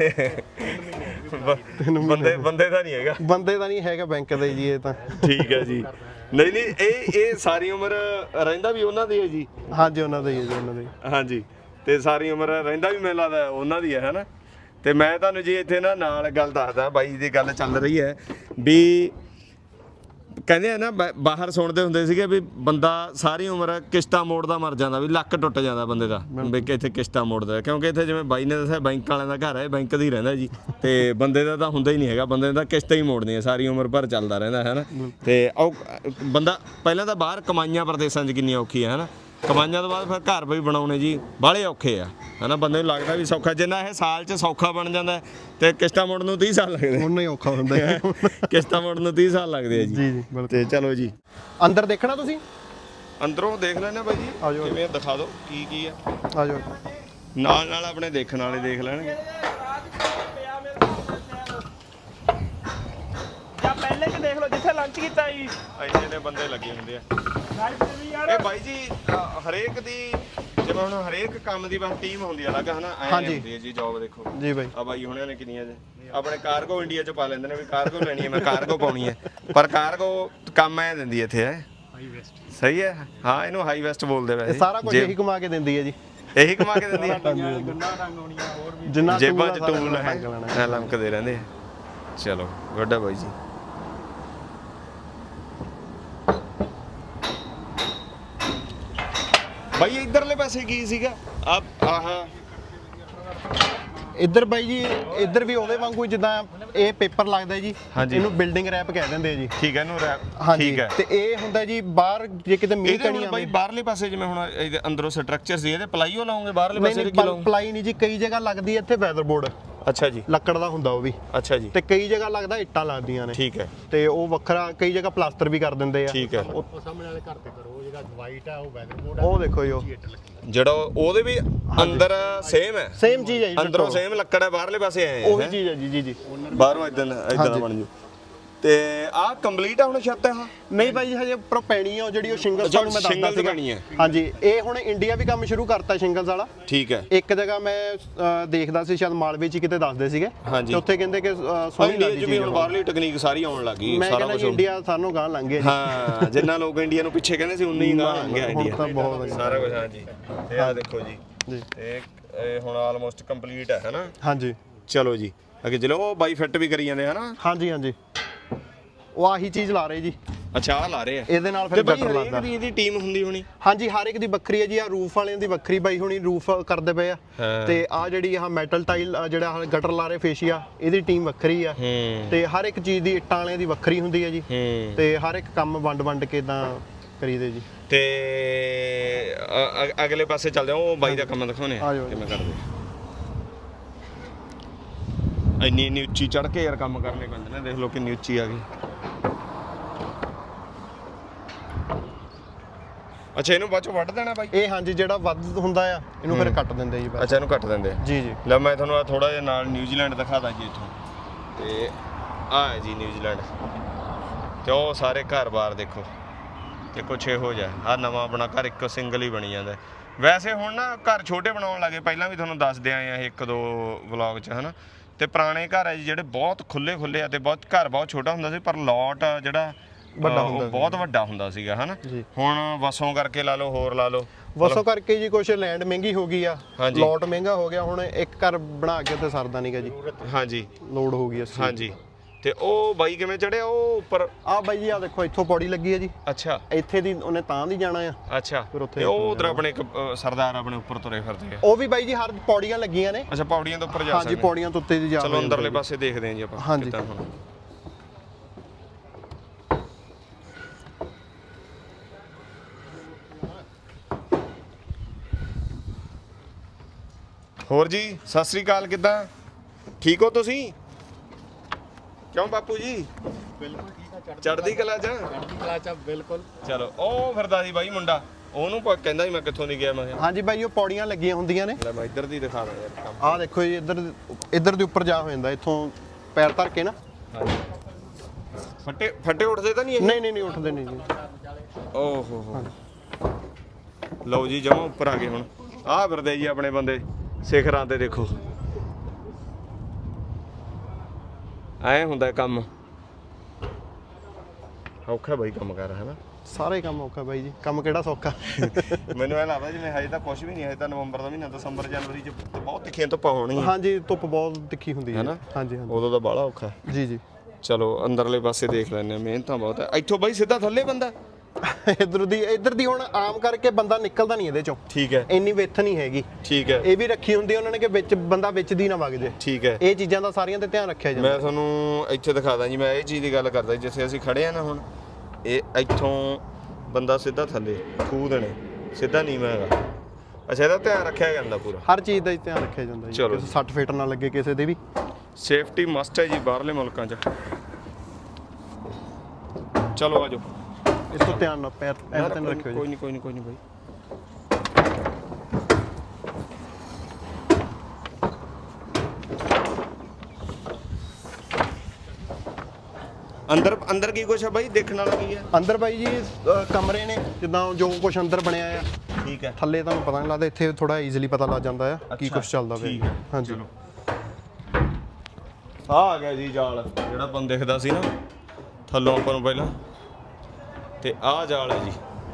Speaker 1: ਬੰਦੇ ਬੰਦੇ ਦਾ ਨਹੀਂ ਹੈਗਾ
Speaker 3: ਬੰਦੇ ਦਾ ਨਹੀਂ ਹੈਗਾ ਬੈਂਕ ਦੇ ਜੀ ਇਹ ਤਾਂ
Speaker 1: ਠੀਕ ਹੈ ਜੀ ਨਹੀਂ ਨਹੀਂ ਇਹ ਇਹ ਸਾਰੀ ਉਮਰ ਰਹਿੰਦਾ ਵੀ ਉਹਨਾਂ ਦੀ ਹੈ ਜੀ
Speaker 3: ਹਾਂਜੀ ਉਹਨਾਂ ਦੇ ਹੀ ਹੈ ਜੀ ਉਹਨਾਂ ਦੇ
Speaker 1: ਹਾਂਜੀ ਤੇ ਸਾਰੀ ਉਮਰ ਰਹਿੰਦਾ ਵੀ ਮੈਨੂੰ ਲੱਗਦਾ ਉਹਨਾਂ ਦੀ ਹੈ ਹੈਨਾ ਤੇ ਮੈਂ ਤੁਹਾਨੂੰ ਜੀ ਇੱਥੇ ਨਾ ਨਾਲ ਗੱਲ ਦੱਸਦਾ ਬਾਈ ਦੀ ਗੱਲ ਚੱਲ ਰਹੀ ਹੈ ਵੀ ਕਹਿੰਦੇ ਆ ਨਾ ਬਾ- ਬਾਹਰ ਸੁਣਦੇ ਹੁੰਦੇ ਸੀਗੇ ਵੀ ਬੰਦਾ ਸਾਰੀ ਉਮਰ ਕਿਸ਼ਤਾਂ ਮੋੜਦਾ ਮਰ ਜਾਂਦਾ ਵੀ ਲੱਕ ਟੁੱਟ ਜਾਂਦਾ ਬੰਦੇ ਦਾ ਵੀ ਕਿ ਇੱਥੇ ਕਿਸ਼ਤਾਂ ਮੋੜਦਾ ਕਿਉਂਕਿ ਇੱਥੇ ਜਿਵੇਂ ਬਾਈ ਨੇ ਦੱਸਿਆ ਬੈਂਕ ਵਾਲਿਆਂ ਦਾ ਘਰ ਹੈ ਬੈਂਕ ਦਾ ਹੀ ਰਹਿੰਦਾ ਜੀ ਤੇ ਬੰਦੇ ਦਾ ਤਾਂ ਹੁੰਦਾ ਹੀ ਨਹੀਂ ਹੈਗਾ ਬੰਦੇ ਦਾ ਕਿਸ਼ਤਾਂ ਹੀ ਮੋੜਨੀਆਂ ਸਾਰੀ ਉਮਰ ਭਰ ਚੱਲਦਾ ਰਹਿੰਦਾ ਹੈ ਨਾ ਤੇ ਉਹ ਬੰਦਾ ਪਹਿਲਾਂ ਤਾਂ ਬਾਹਰ ਕਮਾਈਆਂ ਪ੍ਰਦੇਸ਼ਾਂ 'ਚ ਕਿੰਨੀਆਂ ਔਖੀਆਂ ਹੈ ਨਾ ਕਮਾਈਆਂ ਤੋਂ ਬਾਅਦ ਫਿਰ ਘਰ ਵੀ ਬਣਾਉਣੇ ਜੀ ਬਾਹਲੇ ਔਖੇ ਆ ਹਨਾ ਬੰਦੇ ਨੂੰ ਲੱਗਦਾ ਵੀ ਸੌਖਾ ਜਿੰਨਾ ਇਹ ਸਾਲ 'ਚ ਸੌਖਾ ਬਣ ਜਾਂਦਾ ਤੇ ਕਿਸ਼ਤਾਂ ਮੋੜਨ ਨੂੰ ਤੀਹ ਸਾਲ ਲੱਗਦੇ
Speaker 3: ਉਹਨਾਂ ਹੀ ਔਖਾ ਹੁੰਦਾ ਹੈ
Speaker 1: ਕਿਸ਼ਤਾਂ ਮੋੜਨ ਨੂੰ ਤੀਹ ਸਾਲ ਲੱਗਦੇ ਆ ਜੀ
Speaker 3: ਜੀ ਜੀ ਬਿਲਕੁਲ
Speaker 1: ਤੇ ਚਲੋ ਜੀ
Speaker 3: ਅੰਦਰ ਦੇਖਣਾ ਤੁਸੀਂ
Speaker 1: ਅੰਦਰੋਂ ਦੇਖ ਲੈਣਾ ਬਾਈ ਜੀ
Speaker 3: ਆ ਜਾਓ।
Speaker 1: ਕਿਵੇਂ ਆ, ਦਿਖਾ ਦਿਓ ਕੀ ਕੀ ਆ
Speaker 3: ਆ ਜਾਓ
Speaker 1: ਨਾਲ ਨਾਲ ਆਪਣੇ ਦੇਖਣ ਵਾਲੇ ਦੇਖ ਲੈਣਗੇ
Speaker 5: ਜਾਂ ਪਹਿਲੇ ਕਿ ਦੇਖ ਲਓ ਜਿੱਥੇ ਲੰਚ ਕੀਤਾ ਜੀ
Speaker 1: ਇੰਨੇ ਨੇ ਬੰਦੇ ਲੱਗੇ ਹੁੰਦੇ ਆ ਇਹ ਬਾਈ ਜੀ ਅ, ਹਰੇਕ ਦੀ ਜਿਵੇਂ ਹੁਣ ਹਰੇਕ ਕੰਮ ਦੀ ਬਸ ਟੀਮ ਹੁੰਦੀ ਆ ਅਲੱਗ ਹਨਾ ਐ
Speaker 3: ਹਾਂਜੀ।
Speaker 1: ਹੁੰਦੀ ਹੈ ਜੀ ਜੌਬ ਦੇਖੋ
Speaker 3: ਜੀ ਬਾਈ
Speaker 1: ਆ ਬਾਈ ਹੁਣਿਆਂ ਨੇ ਕਿੰਨੀਆਂ ਜੇ ਆਪਣੇ ਕਾਰਗੋ ਇੰਡੀਆ ਚ ਪਾ ਲੈਂਦੇ ਨੇ ਵੀ ਕਾਰਗੋ ਲੈਣੀ ਹੈ ਮੈਂ ਕਾਰਗੋ ਪਾਉਣੀ ਹੈ ਪਰ ਕਾਰਗੋ ਕੰਮ ਐ ਦਿੰਦੀ ਇੱਥੇ ਹੈ ਹਾਈ ਵੈਸਟ ਸਹੀ ਹੈ ਹਾਂ ਇਹਨੂੰ ਹਾਈ ਵੈਸਟ ਬੋਲਦੇ ਵੈਸੇ
Speaker 3: ਇਹ ਸਾਰਾ ਕੁਝ
Speaker 1: ਜੇ-
Speaker 3: ਇਹੀ ਕਮਾ ਕੇ ਦਿੰਦੀ ਹੈ ਜੀ
Speaker 1: ਇਹੀ ਕਮਾ ਕੇ ਦਿੰਦੀ ਹੈ
Speaker 3: ਜਿੰਨਾ
Speaker 1: ਜੇਬਾਂ
Speaker 3: tool
Speaker 1: ਚ
Speaker 3: ਆ ਸਾਰਾ
Speaker 1: ਟੂਲ ਹੈ
Speaker 3: ਰੰਗ ਲੈਣਾ।
Speaker 1: ਐ ਲਮਕਦੇ ਰਹਿੰਦੇ ਆ ਚਲੋ ਗੁੱਡ ਆ ਬਾਈ ਜੀ ਬਾਈ ਇਧਰਲੇ ਪਾਸੇ ਕੀ ਸੀਗਾ ਆ ਆਹ
Speaker 3: ਇੱਧਰ ਬਾਈ ਜੀ ਇੱਧਰ ਵੀ ਉਹਦੇ ਵਾਂਗੂ ਹੀ ਜਿੱਦਾਂ ਇਹ ਪੇਪਰ ਲੱਗਦਾ ਜੀ
Speaker 1: ਹਾਂਜੀ।
Speaker 3: ਇਹਨੂੰ ਬਿਲਡਿੰਗ ਰੈਪ ਕਹਿ ਦਿੰਦੇ ਆ ਜੀ
Speaker 1: ਠੀਕ ਹੈ ਇਹਨੂੰ ਰੈਪ
Speaker 3: ਹਾਂਜੀ
Speaker 1: ਠੀਕ ਹੈ
Speaker 3: ਤੇ ਇਹ ਹੁੰਦਾ ਜੀ ਬਾਹਰ ਜੇ ਕਿਤੇ ਮੀਂਹ
Speaker 1: ਇਹਦੇ
Speaker 3: ਕਣੀ
Speaker 1: ਹੁਣ ਬਾਈ
Speaker 3: ਆਵੇ
Speaker 1: ਬਾਹਰਲੇ ਪਾਸੇ ਜਿਵੇਂ ਹੁਣ ਇਹਦੇ ਅੰਦਰੋਂ ਸਟਰਕਚਰ ਸੀ ਇਹਦੇ ਪਲਾਈਓ ਲਾਉਂਗੇ ਬਾਹਰਲੇ
Speaker 3: ਨਹੀਂ
Speaker 1: ਪਾਸੇ
Speaker 3: ਨਹੀਂ
Speaker 1: ਦੇ ਕੀ ਲਾਉਂਗੇ
Speaker 3: ਪਲਾਈ ਨਹੀਂ ਜੀ ਕਈ ਜਗ੍ਹਾ ਲੱਗਦੀ ਹੈ ਇੱਥੇ ਵੈਦਰ ਬੋਰਡ
Speaker 1: ਅੱਛਾ ਜੀ
Speaker 3: ਲੱਕੜ ਦਾ ਹੁੰਦਾ ਉਹ ਵੀ
Speaker 1: ਅੱਛਾ ਜੀ
Speaker 3: ਤੇ ਕਈ ਜਗ੍ਹਾ ਲੱਗਦਾ ਇੱਟਾਂ ਲੱਗਦੀਆਂ ਨੇ
Speaker 1: ਠੀਕ ਹੈ
Speaker 3: ਤੇ ਉਹ ਵੱਖਰਾ ਕਈ ਜਗ੍ਹਾ ਪਲਾਸਟਰ ਵੀ ਕਰ ਦਿੰਦੇ ਆ
Speaker 1: ਠੀਕ ਹੈ
Speaker 3: ਉਹ ਸਾਹਮਣੇ ਵਾਲੇ ਘਰ ਤੇ ਕਰੋ ਉਹ ਜਿਹੜਾ ਵਾਈਟ ਆ ਉਹ ਵੈਦਰ ਬੋਰਡ ਉਹ ਦੇਖੋ ਜੀ ਉਹ
Speaker 1: ਜਿਹੜਾ ਉਹਦੇ ਵੀ ਅੰਦਰ ਸੇਮ ਹੈ
Speaker 3: ਸੇਮ ਚੀਜ਼ ਹੈ ਜੀ
Speaker 1: ਅੰਦਰੋਂ ਸੇਮ ਲੱਕੜ ਹੈ ਬਾਹਰਲੇ ਪਾਸੇ ਆਏ
Speaker 3: ਉਹੀ ਚੀਜ਼ ਹੈ ਜੀ ਜੀ ਜੀ
Speaker 1: ਬਾਹਰੋਂ ਇਦਾਂ ਇਦਾਂ ਦਾ ਬਣ ਜੂ ਤੇ ਆਹ ਕੰਪਲੀਟ ਆ ਹੁਣ ਛੱਤ ਹੈ
Speaker 3: ਨਹੀਂ ਭਾਈ ਹਜੇ ਉੱਪਰੋਂ ਪੈਣੀ ਆ ਉਹ ਜਿਹੜੀ ਉਹ ਸ਼ਿੰਗਲਸ
Speaker 1: ਅੱਛਾ,
Speaker 3: ਤੁਹਾਨੂੰ ਮੈਂ ਦੱਸਦਾ
Speaker 1: shingles
Speaker 3: ਸੀਗਾ
Speaker 1: ਪੈਣੀ ਹੈ।
Speaker 3: ਹਾਂਜੀ ਇਹ ਹੁਣ ਇੰਡੀਆ ਵੀ ਕੰਮ ਸ਼ੁਰੂ ਕਰਤਾ ਸ਼ਿੰਗਲਸ ਵਾਲਾ
Speaker 1: ਠੀਕ ਹੈ
Speaker 3: ਇੱਕ ਜਗ੍ਹਾ ਮੈਂ ਅ, ਦੇਖਦਾ ਸੀ ਸ਼ਾਇਦ ਮਾਲਵੇ ਚ ਹੀ ਕਿਤੇ ਦੱਸਦੇ ਸੀਗੇ
Speaker 1: ਹਾਂਜੀ।
Speaker 3: ਤੇ ਉੱਥੇ ਕਹਿੰਦੇ ਕਿ ਅ,
Speaker 1: ਹਾਂ
Speaker 3: ਸੋਹਣੀ
Speaker 1: ਇੰਡੀਆ
Speaker 3: ਲੱਗਦੀ
Speaker 1: ਚ ਵੀ
Speaker 3: ਚੀਜ਼
Speaker 1: ਹੁਣ
Speaker 3: ਉਹ।
Speaker 1: ਬਾਹਰਲੀ ਟੈਕਨੀਕ ਸਾਰੀ ਆਉਣ ਲੱਗੀ
Speaker 3: ਮੈਂ
Speaker 1: ਸਾਰਾ
Speaker 3: ਕਹਿੰਦਾ
Speaker 1: ਕੁਝ
Speaker 3: ਜੀ ਇੰਡੀਆ ਸਾਨੂੰ ਗਾਂ ਲੰਘ ਗਿਆ ਜੀ
Speaker 1: ਹਾਂ ਜਿੰਨਾ ਲੋਕ ਇੰਡੀਆ ਨੂੰ ਪਿੱਛੇ ਕਹਿੰਦੇ ਸੀ ਉਨਾ ਹੀ ਗਾਂ ਲੰਘ ਗਿਆ
Speaker 3: ਹੁਣ
Speaker 1: ਇੰਡੀਆ
Speaker 3: ਤਾਂ ਬਹੁਤ ਵਧੀਆ।
Speaker 1: ਸਾਰਾ ਕੁਝ ਹਾਂ ਜੀ ਤੇ ਆਹ ਦੇਖੋ ਜੀ
Speaker 3: ਜੀ
Speaker 1: ਇਹ ਇਹ ਹੁਣ ਆਲਮੋਸਟ ਕੰਪਲੀਟ ਹੈ ਹੈਨਾ
Speaker 3: ਹਾਂਜੀ
Speaker 1: ਚਲੋ ਜੀ ਅੱਗੇ ਚਲੋ ਉਹ ਬਾਈ ਫਿੱਟ ਵੀ ਕਰੀ ਜਾਂਦੇ ਹਨਾ
Speaker 3: ਹਾਂਜੀ ਹਾਂਜੀ ਉਹ ਆਹੀ ਚੀਜ਼ ਲਾ ਰਹੇ ਜੀ
Speaker 1: ਅੱਛਾ ਆ ਲਾ ਰਹੇ ਆ
Speaker 3: ਇਹਦੇ ਨਾਲ
Speaker 1: ਤੇ
Speaker 3: ਫਿਰ
Speaker 1: ਬਾਈ
Speaker 3: ਗਟਰ
Speaker 1: ਹਰੇਕ
Speaker 3: ਲੱਗਦਾ
Speaker 1: ਦੀ ਇਹਦੀ ਟੀਮ ਹੁੰਦੀ ਹੋਣੀ
Speaker 3: ਹਾਂਜੀ ਹਰ ਇੱਕ ਦੀ ਵੱਖਰੀ ਹੈ ਜੀ ਆ ਰੂਫ ਵਾਲਿਆਂ ਦੀ ਵੱਖਰੀ ਬਾਈ ਹੁਣੀ ਰੂਫ ਕਰਦੇ ਪਏ ਆ
Speaker 1: ਹਾਂ।
Speaker 3: ਤੇ ਆ ਜਿਹੜੀ ਆ ਮੈਟਲ ਟਾਈਲ ਜਿਹੜਾ ਆਹ ਗਟਰ ਲਾ ਰਹੇ ਫੇਸ਼ੀਆ ਇਹਦੀ ਟੀਮ ਵੱਖਰੀ ਆ
Speaker 1: ਹੂੰ
Speaker 3: ਤੇ ਹਰ ਇੱਕ ਚੀਜ਼ ਦੀ ਇੱਟਾਂ ਵਾਲਿਆਂ ਦੀ ਵੱਖਰੀ ਹੁੰਦੀ ਹੈ ਜੀ
Speaker 1: ਹੂੰ
Speaker 3: ਤੇ ਹਰ ਇੱਕ ਕੰਮ ਵੰਡ ਵੰਡ ਕੇ ਤਾਂ ਕਰੀਦੇ ਜੀ
Speaker 1: ਤੇ ਅ- ਅ- ਅਗਲੇ ਪਾਸੇ ਚੱਲਦੇ ਹਾਂ ਉਹ ਬਾਈ ਦਾ ਕੰਮ ਦਿਖਾਉਣੇ
Speaker 3: ਆ
Speaker 1: ਆ
Speaker 3: ਜਾਓ।
Speaker 1: ਕਿਵੇਂ ਕਰਦੇ ਇੰਨੀ ਇੰਨੀ ਉੱਚੀ ਚੜ ਕੇ ਯਾਰ ਕੰਮ ਕਰਨੇ ਪੈਂਦੇ ਨੇ ਦੇਖ ਲਓ ਕਿੰਨੀ ਉੱਚੀ ਆ ਗਈ ਅੱਛਾ ਇਹਨੂੰ ਬਾਅਦ ਚੋਂ ਵੱਢ ਦੇਣਾ ਬਾਈ
Speaker 3: ਇਹ ਹਾਂਜੀ ਜਿਹੜਾ ਵੱਧ ਹੁੰਦਾ ਆ ਇਹਨੂੰ ਫਿਰ ਕੱਟ ਦਿੰਦੇ ਜੀ ਬਸ
Speaker 1: ਅੱਛਾ ਇਹਨੂੰ ਕੱਟ ਦਿੰਦੇ ਆ
Speaker 3: ਜੀ ਜੀ
Speaker 1: ਲੈ ਮੈਂ ਤੁਹਾਨੂੰ ਆ ਥੋੜਾ ਜਿਹਾ ਨਾਲ ਨਿਊਜ਼ੀਲੈਂਡ ਦਿਖਾਦਾ ਜੀ ਇੱਥੋਂ ਤੇ ਆ ਹੈ ਜੀ ਨਿਊਜ਼ੀਲੈਂਡ ਤੇ ਉਹ ਸਾਰੇ ਘਰ-ਬਾਰ ਦੇਖੋ ਤੇ ਕੁਛ ਇਹੋ ਜਿਹਾ ਆ ਨਵਾਂ ਆਪਣਾ ਘਰ ਇੱਕੋ ਸਿੰਗਲ ਹੀ ਬਣੀ ਜਾਂਦਾ ਵੈਸੇ ਹੁਣ ਨਾ ਘਰ ਛੋਟੇ ਬਣਾਉਣ ਲੱਗੇ ਪਹਿਲਾਂ ਵੀ ਤੁਹਾਨੂੰ ਦੱਸਦੇ ਆਏ ਆ ਇਹ ਇੱਕ ਦੋ ਵਲੌਗ 'ਚ ਹਨਾ ਤੇ ਪੁਰਾਣੇ ਘਰ ਹੈ ਜੀ ਜਿਹੜੇ ਬਹੁਤ ਖੁੱਲੇ ਖੁੱਲੇ ਆ ਤੇ ਬਹੁਤ ਘਰ ਬਹੁਤ ਛੋਟਾ ਹੁੰਦਾ ਸੀ ਪਰ ਲੋਟ ਜਿਹੜਾ
Speaker 3: ਵੱਡਾ
Speaker 1: ਅ, ਉਹ
Speaker 3: ਹੁੰਦਾ
Speaker 1: ਬਹੁਤ ਵੱਡਾ ਹੁੰਦਾ ਸੀਗਾ ਹਨਾ
Speaker 3: ਜੀ।
Speaker 1: ਹੁਣ ਵਸੋਂ ਕਰਕੇ ਲਾ ਲਓ ਹੋਰ ਲਾ ਲਓ
Speaker 3: ਵਸੋਂ ਕਰਕੇ ਜੀ ਕੁਛ ਲੈਂਡ ਮਹਿੰਗੀ ਹੋ ਗਈ ਆ
Speaker 1: ਹਾਂਜੀ।
Speaker 3: ਲੋਟ ਮਹਿੰਗਾ ਹੋ ਗਿਆ ਹੁਣ ਇੱਕ ਘਰ ਬਣਾ ਕੇ ਤੇ ਸਰਦਾ ਨਹੀਂਗਾ ਜੀ
Speaker 1: ਹਾਂਜੀ
Speaker 3: ਲੋਡ ਹੋ ਗਈ ਅਸੀਂ
Speaker 1: ਹਾਂਜੀ ਤੇ ਉਹ ਬਾਈ ਕਿਵੇਂ ਚੜਿਆ ਉਹ ਉੱਪਰ
Speaker 3: ਆ ਬਾਈ ਜੀ ਆ ਦੇਖੋ ਇੱਥੋਂ ਪੌੜੀ ਲੱਗੀ ਹੈ ਜੀ
Speaker 1: ਅੱਛਾ
Speaker 3: ਇੱਥੇ ਦੀ ਉਹਨੇ ਤਾਂ ਦੀ ਜਾਣਾ ਆ
Speaker 1: ਅੱਛਾ
Speaker 3: ਫਿਰ ਉੱਥੇ
Speaker 1: ਤੇ ਉਹ ਉਧਰ ਆਪਣੇ ਇੱਕ ਅ, ਸਰਦਾਰ ਆਪਣੇ ਉੱਪਰ ਤੁਰੇ ਫਿਰਦੇ ਆ
Speaker 3: ਉਹ ਵੀ ਬਾਈ ਜੀ ਹਰ ਪੌੜੀਆਂ ਲੱਗੀਆਂ ਨੇ
Speaker 1: ਅੱਛਾ ਪੌੜੀਆਂ ਦੇ ਉੱਪਰ ਜਾ
Speaker 3: ਹਾਂਜੀ
Speaker 1: ਸਕਦੇ
Speaker 3: ਪੌੜੀਆਂ ਤੋਂ ਉੱਤੇ ਦੀ ਜਾ
Speaker 1: ਚਲੋ
Speaker 3: ਰਹੇ
Speaker 1: ਅੰਦਰਲੇ
Speaker 3: ਹੁੰਦੇ
Speaker 1: ਪਾਸੇ ਦੇਖਦੇ ਹਾਂ ਜੀ ਆਪਾਂ
Speaker 3: ਹਾਂਜੀ।
Speaker 1: ਕਿੱਦਾਂ ਹੁਣ ਹੋਰ ਜੀ ਸਤਿ ਸ੍ਰੀ ਅਕਾਲ ਕਿੱਦਾਂ ਠੀਕ ਹੋ ਤੁਸੀਂ ਕਿਉਂ ਬਾਪੂ ਜੀ
Speaker 4: ਬਿਲਕੁਲ ਠੀਕ ਆ
Speaker 1: ਚੜ੍ਹਦੀ ਕਲਾ ਚ
Speaker 4: ਚੜ੍ਹਦੀ ਕਲਾ ਚ ਬਿਲਕੁਲ
Speaker 1: ਚਲੋ ਉਹ ਫਿਰਦਾ ਸੀ ਬਾਈ ਮੁੰਡਾ ਉਹਨੂੰ ਪ- ਕਹਿੰਦਾ ਸੀ ਮੈਂ ਕਿੱਥੋਂ ਨਹੀਂ ਗਿਆ ਮੈਂ ਕਿਹਾ
Speaker 3: ਹਾਂਜੀ ਬਾਈ ਉਹ ਪੌੜੀਆਂ ਲੱਗੀਆਂ ਹੁੰਦੀਆਂ ਨੇ
Speaker 1: ਲੈ ਮੈਂ ਇੱਧਰ ਦੀ ਦਿਖਾ ਦਾਂ ਯਾਰ ਕੰਮ
Speaker 3: ਆਹ ਦੇਖੋ ਜੀ ਇੱਧਰ ਇੱਧਰ ਦੇ ਉੱਪਰ ਜਾ ਹੋ ਜਾਂਦਾ ਇੱਥੋਂ ਪੈਰ ਧਰ ਕੇ ਨਾ
Speaker 1: ਹਾਂਜੀ ਫੱਟੇ ਫੱਟੇ ਉੱਠਦੇ ਤਾਂ ਨਹੀਂ ਇਹ
Speaker 3: ਨਹੀਂ ਨਹੀਂ ਨਹੀਂ ਉੱਠਦੇ ਨਹੀਂ ਜੀ
Speaker 1: ਓਹ ਹੋ ਹੋ ਲਓ ਜੀ ਜਮਾ ਉੱਪਰ ਆ ਗਏ ਹੁਣ ਆਹ ਫਿਰਦੇ ਜੀ ਆਪਣੇ ਬੰਦੇ ਸਿਖਰਾਂ ਤੇ ਦੇਖੋ ਐ ਹੁੰਦਾ ਕੰਮ ਔਖਾ ਬਾਈ ਕੰਮ ਕਰ ਹੈ ਨਾ
Speaker 3: ਸਾਰੇ ਕੰਮ ਔਖਾ ਬਾਈ ਜੀ ਕੰਮ ਕਿਹੜਾ ਸੌਖਾ
Speaker 1: ਮੈਨੂੰ ਇਹ ਲੱਗਦਾ ਜਿਵੇਂ ਹਜੇ ਤਾਂ ਕੁਝ ਵੀ ਨਹੀਂ ਹਜੇ ਤਾਂ ਨਵੰਬਰ ਦਾ ਮਹੀਨਾ ਦਸੰਬਰ ਜਨਵਰੀ ਚ ਬਹੁਤ ਤਿੱਖੀਆਂ ਧੁੱਪਾਂ ਹੋਣਗੀਆਂ
Speaker 3: ਹਾਂਜੀ ਧੁੱਪ ਬਹੁਤ ਤਿੱਖੀ ਹੁੰਦੀ ਹੈ
Speaker 1: ਹੈਨਾ?
Speaker 3: ਹਾਂਜੀ ਹਾਂਜੀ
Speaker 1: ਉਦੋਂ ਤਾਂ ਬਾਹਲਾ ਔਖਾ
Speaker 3: ਜੀ ਜੀ
Speaker 1: ਚਲੋ ਅੰਦਰਲੇ ਪਾਸੇ ਦੇਖ ਲੈਂਦੇ ਆ ਮਿਹਨਤਾਂ ਬਹੁਤ ਹੈ ਇੱਥੋਂ ਬਾਈ ਸਿੱਧਾ ਥੱਲੇ ਬੰਦਾ
Speaker 3: ਇੱਧਰ ਦੀ ਇੱਧਰ ਦੀ ਹੁਣ ਆਮ ਕਰਕੇ ਬੰਦਾ ਨਿਕਲਦਾ ਨਹੀਂ ਇਹਦੇ ਚੋਂ
Speaker 1: ਠੀਕ ਹੈ
Speaker 3: ਇੰਨੀ ਵਿੱਥ ਨਹੀਂ ਹੈਗੀ
Speaker 1: ਠੀਕ ਹੈ
Speaker 3: ਇਹ ਵੀ ਰੱਖੀ ਹੁੰਦੀ ਉਹਨਾਂ ਨੇ ਕਿ ਵਿੱਚ ਬੰਦਾ ਵਿੱਚ ਦੀ ਨਾ ਵਗ ਜੇ
Speaker 1: ਠੀਕ ਹੈ
Speaker 3: ਇਹ ਚੀਜ਼ਾਂ ਦਾ ਸਾਰੀਆਂ ਤੇ ਧਿਆਨ ਰੱਖਿਆ ਜਾਂਦਾ
Speaker 1: ਮੈਂ ਤੁਹਾਨੂੰ ਇੱਥੇ ਦਿਖਾਦਾ ਜੀ ਮੈਂ ਇਹ ਚੀਜ਼ ਦੀ ਗੱਲ ਕਰਦਾ ਜਿੱਥੇ ਅਸੀਂ ਖੜੇ ਆ ਨਾ ਹੁਣ ਇਹ ਇੱਥੋਂ ਬੰਦਾ ਸਿੱਧਾ ਥੱਲੇ ਖੂਹ ਦੇਣੇ ਸਿੱਧਾ ਨੀਵਾਂ ਹੈਗਾ ਅੱਛਾ ਇਹਦਾ ਧਿਆਨ ਰੱਖਿਆ ਜਾਂਦਾ ਪੂਰਾ
Speaker 3: ਹਰ ਚੀਜ਼ ਦਾ ਹੀ ਧਿਆਨ ਰੱਖਿਆ ਜਾਂਦਾ ਜੀ
Speaker 1: ਚਲੋ
Speaker 3: ਕਿਸੇ ਸੱਟ ਫੇਟ ਨਾ ਲੱਗੇ ਕਿਸੇ ਦੇ ਵੀ
Speaker 1: ਸੇਫਟੀ ਮਸਟ ਹੈ ਜੀ ਬਾਹਰਲੇ ਮੁਲਕਾਂ 'ਚ ਚਲੋ ਆਜੋ
Speaker 3: ਇਸ ਤੋਂ ਧਿਆਨ ਨਾਲ ਪੈਰ ਐਨ ਤੈਨ ਰੱਖਿਓ
Speaker 1: ਕੋਈ
Speaker 3: ਜੀ
Speaker 1: ਨਹੀਂ ਕੋਈ ਨਹੀਂ ਕੋਈ ਨਹੀਂ ਬਾਈ ਅੰਦਰ ਅੰਦਰ ਕੀ ਕੁਛ ਹੈ ਬਾਈ ਦੇਖਣ ਵਾਲਾ ਕੀ ਹੈ
Speaker 3: ਅੰਦਰ ਬਾਈ ਜੀ ਅ, ਕਮਰੇ ਨੇ ਜਿੱਦਾਂ ਜੋ ਕੁਝ ਅੰਦਰ ਬਣਿਆ ਆ
Speaker 1: ਠੀਕ ਹੈ
Speaker 3: ਥੱਲੇ ਤੁਹਾਨੂੰ ਪਤਾ ਨਹੀਂ ਲੱਗਦਾ ਇੱਥੇ ਥੋੜਾ ਈਜ਼ੀਲੀ ਪਤਾ ਲੱਗ ਜਾਂਦਾ ਆ ਕੀ
Speaker 1: ਅੱਛਾ,
Speaker 3: ਕੁਝ ਚੱਲਦਾ
Speaker 1: ਠੀਕ
Speaker 3: ਪਿਆ
Speaker 1: ਹੈ,
Speaker 3: ਹਾਂਜੀ
Speaker 1: ਚਲੋ ਆ ਆ ਗਿਆ ਜੀ ਜਾਲ ਜਿਹੜਾ ਆਪਾਂ ਨੂੰ ਦਿਖਦਾ ਸੀ ਨਾ ਥੱਲੋਂ ਆਪਾਂ ਨੂੰ ਪਹਿਲਾਂ ਤੇ ਆਹ ਜਾਲ ਹੈ ਜੀ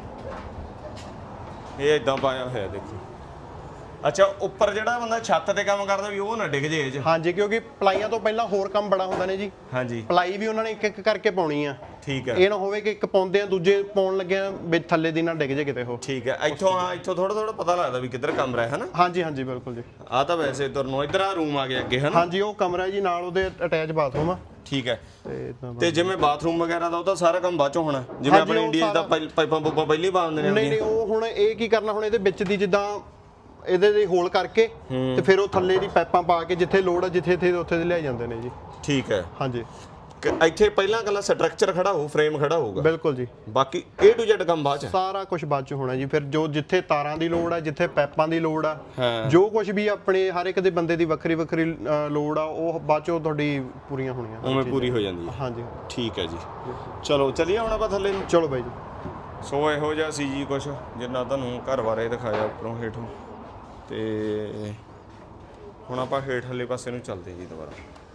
Speaker 1: ਇਹ ਇਦਾਂ ਪਾਇਆ ਹੋਇਆ ਦੇਖੋ ਅੱਛਾ ਉੱਪਰ ਜਿਹੜਾ ਬੰਦਾ ਛੱਤ ਤੇ ਕੰਮ ਕਰਦਾ ਵੀ ਉਹ ਨਾ ਡਿੱਗ ਜੇ ਇਹ 'ਚ
Speaker 3: ਹਾਂਜੀ ਕਿਉਂਕਿ ਪਲਾਈਆਂ ਤੋਂ ਪਹਿਲਾਂ ਹੋਰ ਕੰਮ ਬੜਾ ਹੁੰਦਾ ਨੇ ਜੀ
Speaker 1: ਹਾਂਜੀ
Speaker 3: ਪਲਾਈ ਵੀ ਉਹਨਾਂ ਨੇ ਇੱਕ ਇੱਕ ਕਰਕੇ ਪਾਉਣੀ ਆ
Speaker 1: ਠੀਕ ਹੈ
Speaker 3: ਇਹ ਨਾ ਹੋਵੇ ਕਿ ਇੱਕ ਪਾਉਂਦੇ ਆ ਦੂਜੇ ਪਾਉਣ ਲੱਗੇ ਆ ਵਿੱਚ ਥੱਲੇ ਦੀ ਨਾ ਡਿੱਗ ਜੇ ਕਿਤੇ ਉਹ
Speaker 1: ਠੀਕ ਹੈ ਇੱਥੋਂ ਹਾਂ ਇੱਥੋਂ ਥੋੜਾ ਥੋੜਾ ਪਤਾ ਲੱਗਦਾ ਵੀ ਕਿੱਧਰ ਕਮਰਾ ਹੈ ਹਨਾ
Speaker 3: ਹਾਂਜੀ ਹਾਂਜੀ ਬਿਲਕੁਲ ਜੀ
Speaker 1: ਆ ਤਾਂ ਵੈਸੇ ਤੁਰ ਨੂੰ ਇੱਧਰ ਆ ਰੂਮ ਆ ਗਿਆ ਅੱਗੇ ਹਨਾ
Speaker 3: ਹਾਂਜੀ ਉਹ ਕਮਰਾ ਜੀ ਨਾਲ ਉਹਦੇ ਅਟੈਚ ਬਾਥਰੂਮ ਆ
Speaker 1: ਠੀਕ ਹੈ
Speaker 3: ਤੇ ਇਦਾਂ
Speaker 1: ਤੇ ਜਿਵੇਂ ਬਾਥਰੂਮ ਵਗੈਰਾ ਦਾ ਉਹ ਤਾਂ ਸਾਰਾ ਕੰਮ ਬਾਅਦ ਚੋਂ ਹੋਣਾ ਜਿਵੇਂ
Speaker 3: ਹਾਂਜੀ,
Speaker 1: ਆਪਣੇ
Speaker 3: ਉਹ
Speaker 1: ਇੰਡੀਆ 'ਚ ਤਾਂ
Speaker 3: ਸਾਰਾ-
Speaker 1: ਪਾਈ- ਪਾਈਪਾਂ ਪੂਪਾਂ ਪਹਿਲੀ ਪਾ ਦਿੰਦੇ ਨੇ
Speaker 3: ਨਹੀਂ ਨਹੀਂ ਉਹ ਹੁਣ ਇਹ ਕੀ ਕਰਨਾ ਹੁਣ ਇਹਦੇ ਵਿੱਚ ਦੀ ਜਿੱਦਾਂ ਇਹਦੇ ਦੇ ਹੋਲ ਕਰਕੇ ਤੇ ਫਿਰ ਉਹ ਥੱਲੇ ਦੀ ਪਾਈਪਾਂ ਪਾ ਕੇ ਜਿੱਥੇ ਲੋੜ ਆ ਜਿੱਥੇ ਇੱਥੇ ਉੱਥੇ ਦੇ ਲਿਆ ਜਾਂਦੇ ਨੇ ਜੀ
Speaker 1: ਠੀਕ ਹੈ
Speaker 3: ਹਾਂਜੀ
Speaker 1: ਕਿ ਇੱਥੇ ਪਹਿਲਾਂ ਕੱਲਾ ਸਟਰਕਚਰ ਖੜਾ ਹੋਊ ਫਰੇਮ ਖੜਾ ਹੋਊਗਾ
Speaker 3: ਬਿਲਕੁਲ ਜੀ
Speaker 1: ਬਾਕੀ A to Z ਕੰਮ ਬਾਅਦ ਚ
Speaker 3: ਸਾਰਾ ਕੁਝ ਬਾਅਦ ਚ ਹੋਣਾ ਜੀ ਫਿਰ ਜੋ ਜਿੱਥੇ ਤਾਰਾਂ ਦੀ ਲੋੜ ਆ ਜਿੱਥੇ ਪਾਈਪਾਂ ਦੀ ਲੋੜ ਆ
Speaker 1: ਹਾਂ।
Speaker 3: ਜੋ ਕੁਝ ਵੀ ਆਪਣੇ ਹਰ ਇੱਕ ਦੇ ਬੰਦੇ ਦੀ ਵੱਖਰੀ ਵੱਖਰੀ ਅ, ਲੋੜ ਆ ਉਹ ਬਾਅਦ ਚੋਂ ਤੁਹਾਡੀ ਪੂਰੀਆਂ ਹੋਣੀਆਂ
Speaker 1: ਉਵੇਂ ਪੂਰੀ ਹੋ ਜਾਂਦੀ ਹੈ
Speaker 3: ਹਾਂਜੀ
Speaker 1: ਠੀਕ ਹੈ ਜੀ ਚਲੋ ਚਲੀਏ ਹੁਣ ਆਪਾਂ ਥੱਲੇ ਨੂੰ
Speaker 3: ਚਲੋ ਬਾਈ ਜੀ
Speaker 1: ਸੋ ਇਹੋ ਜਿਹਾ ਸੀ ਜੀ ਕੁਛ ਜਿੰਨਾ ਤੁਹਾਨੂੰ ਘਰ ਬਾਰੇ ਦਿਖਾਇਆ ਉੱਪਰੋਂ ਹੇਠੋਂ ਤੇ ਹੁਣ ਆਪਾਂ ਹੇਠਲੇ ਪਾਸੇ ਨੂੰ ਚੱਲਦੇ ਜੀ ਦੁਬਾਰਾ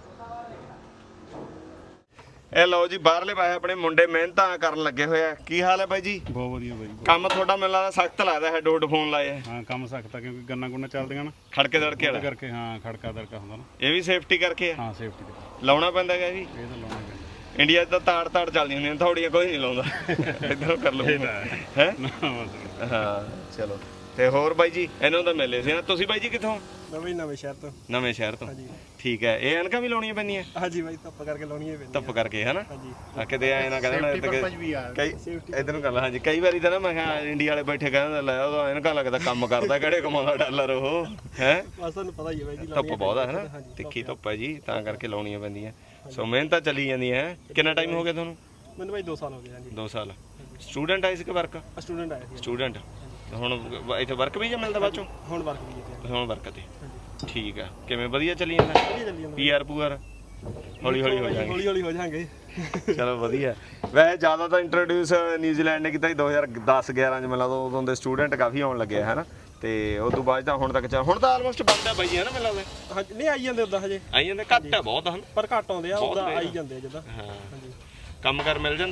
Speaker 1: ਇਹ ਲਓ ਜੀ ਬਾਹਰਲੇ ਪਾਸੇ ਆਪਣੇ ਮੁੰਡੇ ਮਿਹਨਤਾਂ ਕਰਨ ਲੱਗੇ ਹੋਏ ਆ ਕੀ ਹਾਲ ਹੈ ਬਾਈ ਜੀ
Speaker 7: ਬਹੁਤ ਵਧੀਆ ਬਾਈ
Speaker 1: ਕੰਮ ਤੁਹਾਡਾ ਮੈਨੂੰ ਲੱਗਦਾ ਸਖਤ ਲੱਗਦਾ ਹੈ ਡੋਡ ਫੋਨ ਲਾਏ ਆ
Speaker 7: ਹਾਂ ਕੰਮ ਸਖਤ ਆ ਕਿਉਂਕਿ ਗੰਨਾ ਗੁੰਨਾ ਚੱਲਦੀਆਂ ਨਾ
Speaker 1: ਖੜਕੇ ਦੜਕੇ
Speaker 7: ਉਹਦੇ
Speaker 1: ਵਾਲਾ
Speaker 7: ਕਰਕੇ ਹਾਂ ਖੜਕਾ ਦੜਕਾ ਹੁੰਦਾ ਨਾ
Speaker 1: ਇਹ ਵੀ ਸੇਫਟੀ ਕਰਕੇ ਆ
Speaker 7: ਹਾਂ ਸੇਫਟੀ ਦੇ
Speaker 1: ਲਾਉਣਾ ਪੈਂਦਾ ਹੈਗਾ ਜੀ
Speaker 7: ਇਹ ਤਾਂ ਲਾਉਣਾ ਪੈਂਦਾ
Speaker 1: ਇੰਡੀਆ 'ਚ ਤਾਂ ਤਾੜ ਤਾੜ ਚੱਲਦੀਆਂ ਹੁੰਦੀਆਂ ਥੋੜੀਆਂ ਕੋਈ ਨਹੀਂ ਲਾਉਂਦਾ ਇੱਧਰੋਂ ਕਰ ਲਓ ਹੈ
Speaker 7: ਨਾ ਬਸ
Speaker 1: ਹਾਂ ਚਲੋ ਤੇ ਹੋਰ ਬਾਈ ਜੀ ਇਹਨਾਂ ਦਾ ਮਿਲੇ ਸੀ ਨਾ ਤੁਸੀਂ ਬਾਈ ਜੀ ਕਿੱਥੋਂ
Speaker 8: ਨਵੇਂ ਨਵੇਂ ਸ਼ਹਿਰ ਤੋਂ
Speaker 1: ਨਵੇਂ ਸ਼ਹਿਰ ਤੋਂ ਠੀਕ ਹੈ ਇਹ ਅਣਕਾਂ ਵੀ ਲਾਉਣੀਆਂ ਪੈਂਦੀਆਂ
Speaker 8: ਹਾਂਜੀ ਬਾਈ ਧੱਪ ਕਰਕੇ ਲਾਉਣੀ ਹੈ ਪੈਂਦੀ
Speaker 1: ਧੁੱਪ ਕਰਕੇ ਹਨਾ
Speaker 8: ਹਾਂਜੀ
Speaker 1: ਆ ਕਿਤੇ ਐ ਨਾ ਕਹਿੰਦਾ ਕਈ ਇਧਰ ਨੂੰ ਕਰ ਲਾ ਹਾਂਜੀ ਕਈ ਵਾਰੀ ਤਾਂ ਨਾ ਮੈਂ ਕਿਹਾ ਇੰਡੀਆ ਵਾਲੇ ਬੈਠੇ ਕਹਿੰਦੇ ਲੈ ਉਹਦਾ ਅਣਕਾਂ ਲੱਗਦਾ ਕੰਮ ਕਰਦਾ ਕਿਹੜੇ ਕਮਾਉਂਦਾ ਡਾਲਰ ਉਹ ਹੈ
Speaker 8: ਬਸ ਤੁਹਾਨੂੰ ਪਤਾ ਹੀ ਹੈ ਬਾਈ ਜੀ
Speaker 1: ਧੁੱਪ ਬਹੁਤ ਹੈ ਹਨਾ ਤਿੱਖੀ ਧੁੱਪ ਹੈ ਜੀ ਤਾਂ ਕਰਕੇ ਲਾਉਣੀਆਂ ਪੈਂਦੀਆਂ ਸੋ ਮਿਹਨਤਾਂ ਚੱਲੀ ਜਾਂਦੀਆਂ ਹੈ ਕਿੰਨਾ ਟਾਈਮ ਹੋ ਗਿਆ ਤੁਹਾਨੂੰ
Speaker 8: ਮੈਨੂੰ ਬਾਈ ਦੋ ਸਾਲ ਹੋ ਗਏ ਹਾਂਜੀ
Speaker 1: ਦੋ ਸਾਲ ਸਟੂਡੈਂਟ ਆਏ ਸੀ ਕਿ ਵਰਕ
Speaker 8: ਸਟੂਡੈਂਟ ਆਇਆ ਸੀ
Speaker 1: ਸਟੂਡੈਂਟ ਹੁਣ ਇੱਥੇ ਵਰਕ ਵੀ ਜਾਂ ਮਿਲਦਾ ਬਾਅਦ ਚੋਂ
Speaker 8: ਹੁਣ ਵਰਕ ਵੀ ਹੈ
Speaker 1: ਹੁਣ ਵਰਕ ਤੇ ਠੀਕ ਆ ਕਿਵੇਂ ਵਧੀਆ ਚੱਲੀ ਜਾਂਦਾ
Speaker 8: ਵਧੀਆ ਚੱਲੀ ਜਾਂਦਾ
Speaker 1: ਪੀਆਰ ਪੂਆਰ ਹੌਲੀ ਹੌਲੀ ਹੋ ਜਾਣਗੇ
Speaker 8: ਹੌਲੀ ਹੌਲੀ ਹੋ ਜਾਾਂਗੇ
Speaker 1: ਚਲੋ ਵਧੀਆ ਵੈਸੇ ਜ਼ਿਆਦਾ ਤਾਂ ਇੰਟਰੋਡਿਊਸ ਨਿਊਜ਼ੀਲੈਂਡ ਨੇ ਕੀਤਾ ਸੀ ਦੋ ਹਜ਼ਾਰ ਦਸ ਗਿਆਰਾਂ ਚ ਮਿਲਾ ਤੋਂ ਉਦੋਂ ਦੇ ਸਟੂਡੈਂਟ ਕਾਫੀ ਆਉਣ ਲੱਗੇ ਹੈ ਨਾ ਤੇ ਉਸ ਤੋਂ ਬਾਅਦ ਤਾਂ ਹੁਣ ਤੱਕ ਚੱਲ ਹੁਣ ਤਾਂ ਆਲਮੋਸਟ ਬੰਦਾ ਬਾਈ ਹੈ ਨਾ ਮੈਨੂੰ ਲੱਗਦਾ
Speaker 8: ਹਾਂਜੀ ਨਹੀਂ ਆਈ ਜਾਂਦੇ ਉਦਾਂ ਹਜੇ
Speaker 1: ਆਈ ਜਾਂਦੇ ਘੱਟ ਆ ਬਹੁਤ ਹਨ
Speaker 8: ਪਰ ਘੱਟ ਆਉਂਦੇ ਆ
Speaker 1: ਬਹੁਤ
Speaker 8: ਉਦਾਂ
Speaker 1: ਨੇ।
Speaker 8: ਆਈ ਜਾਂਦੇ ਆ ਜਿੱਦਾਂ
Speaker 1: ਹਾਂ
Speaker 8: ਹਾਂਜੀ
Speaker 1: ਕੰਮ ਕਰ ਮਿਲ ਜਾਂਦਾ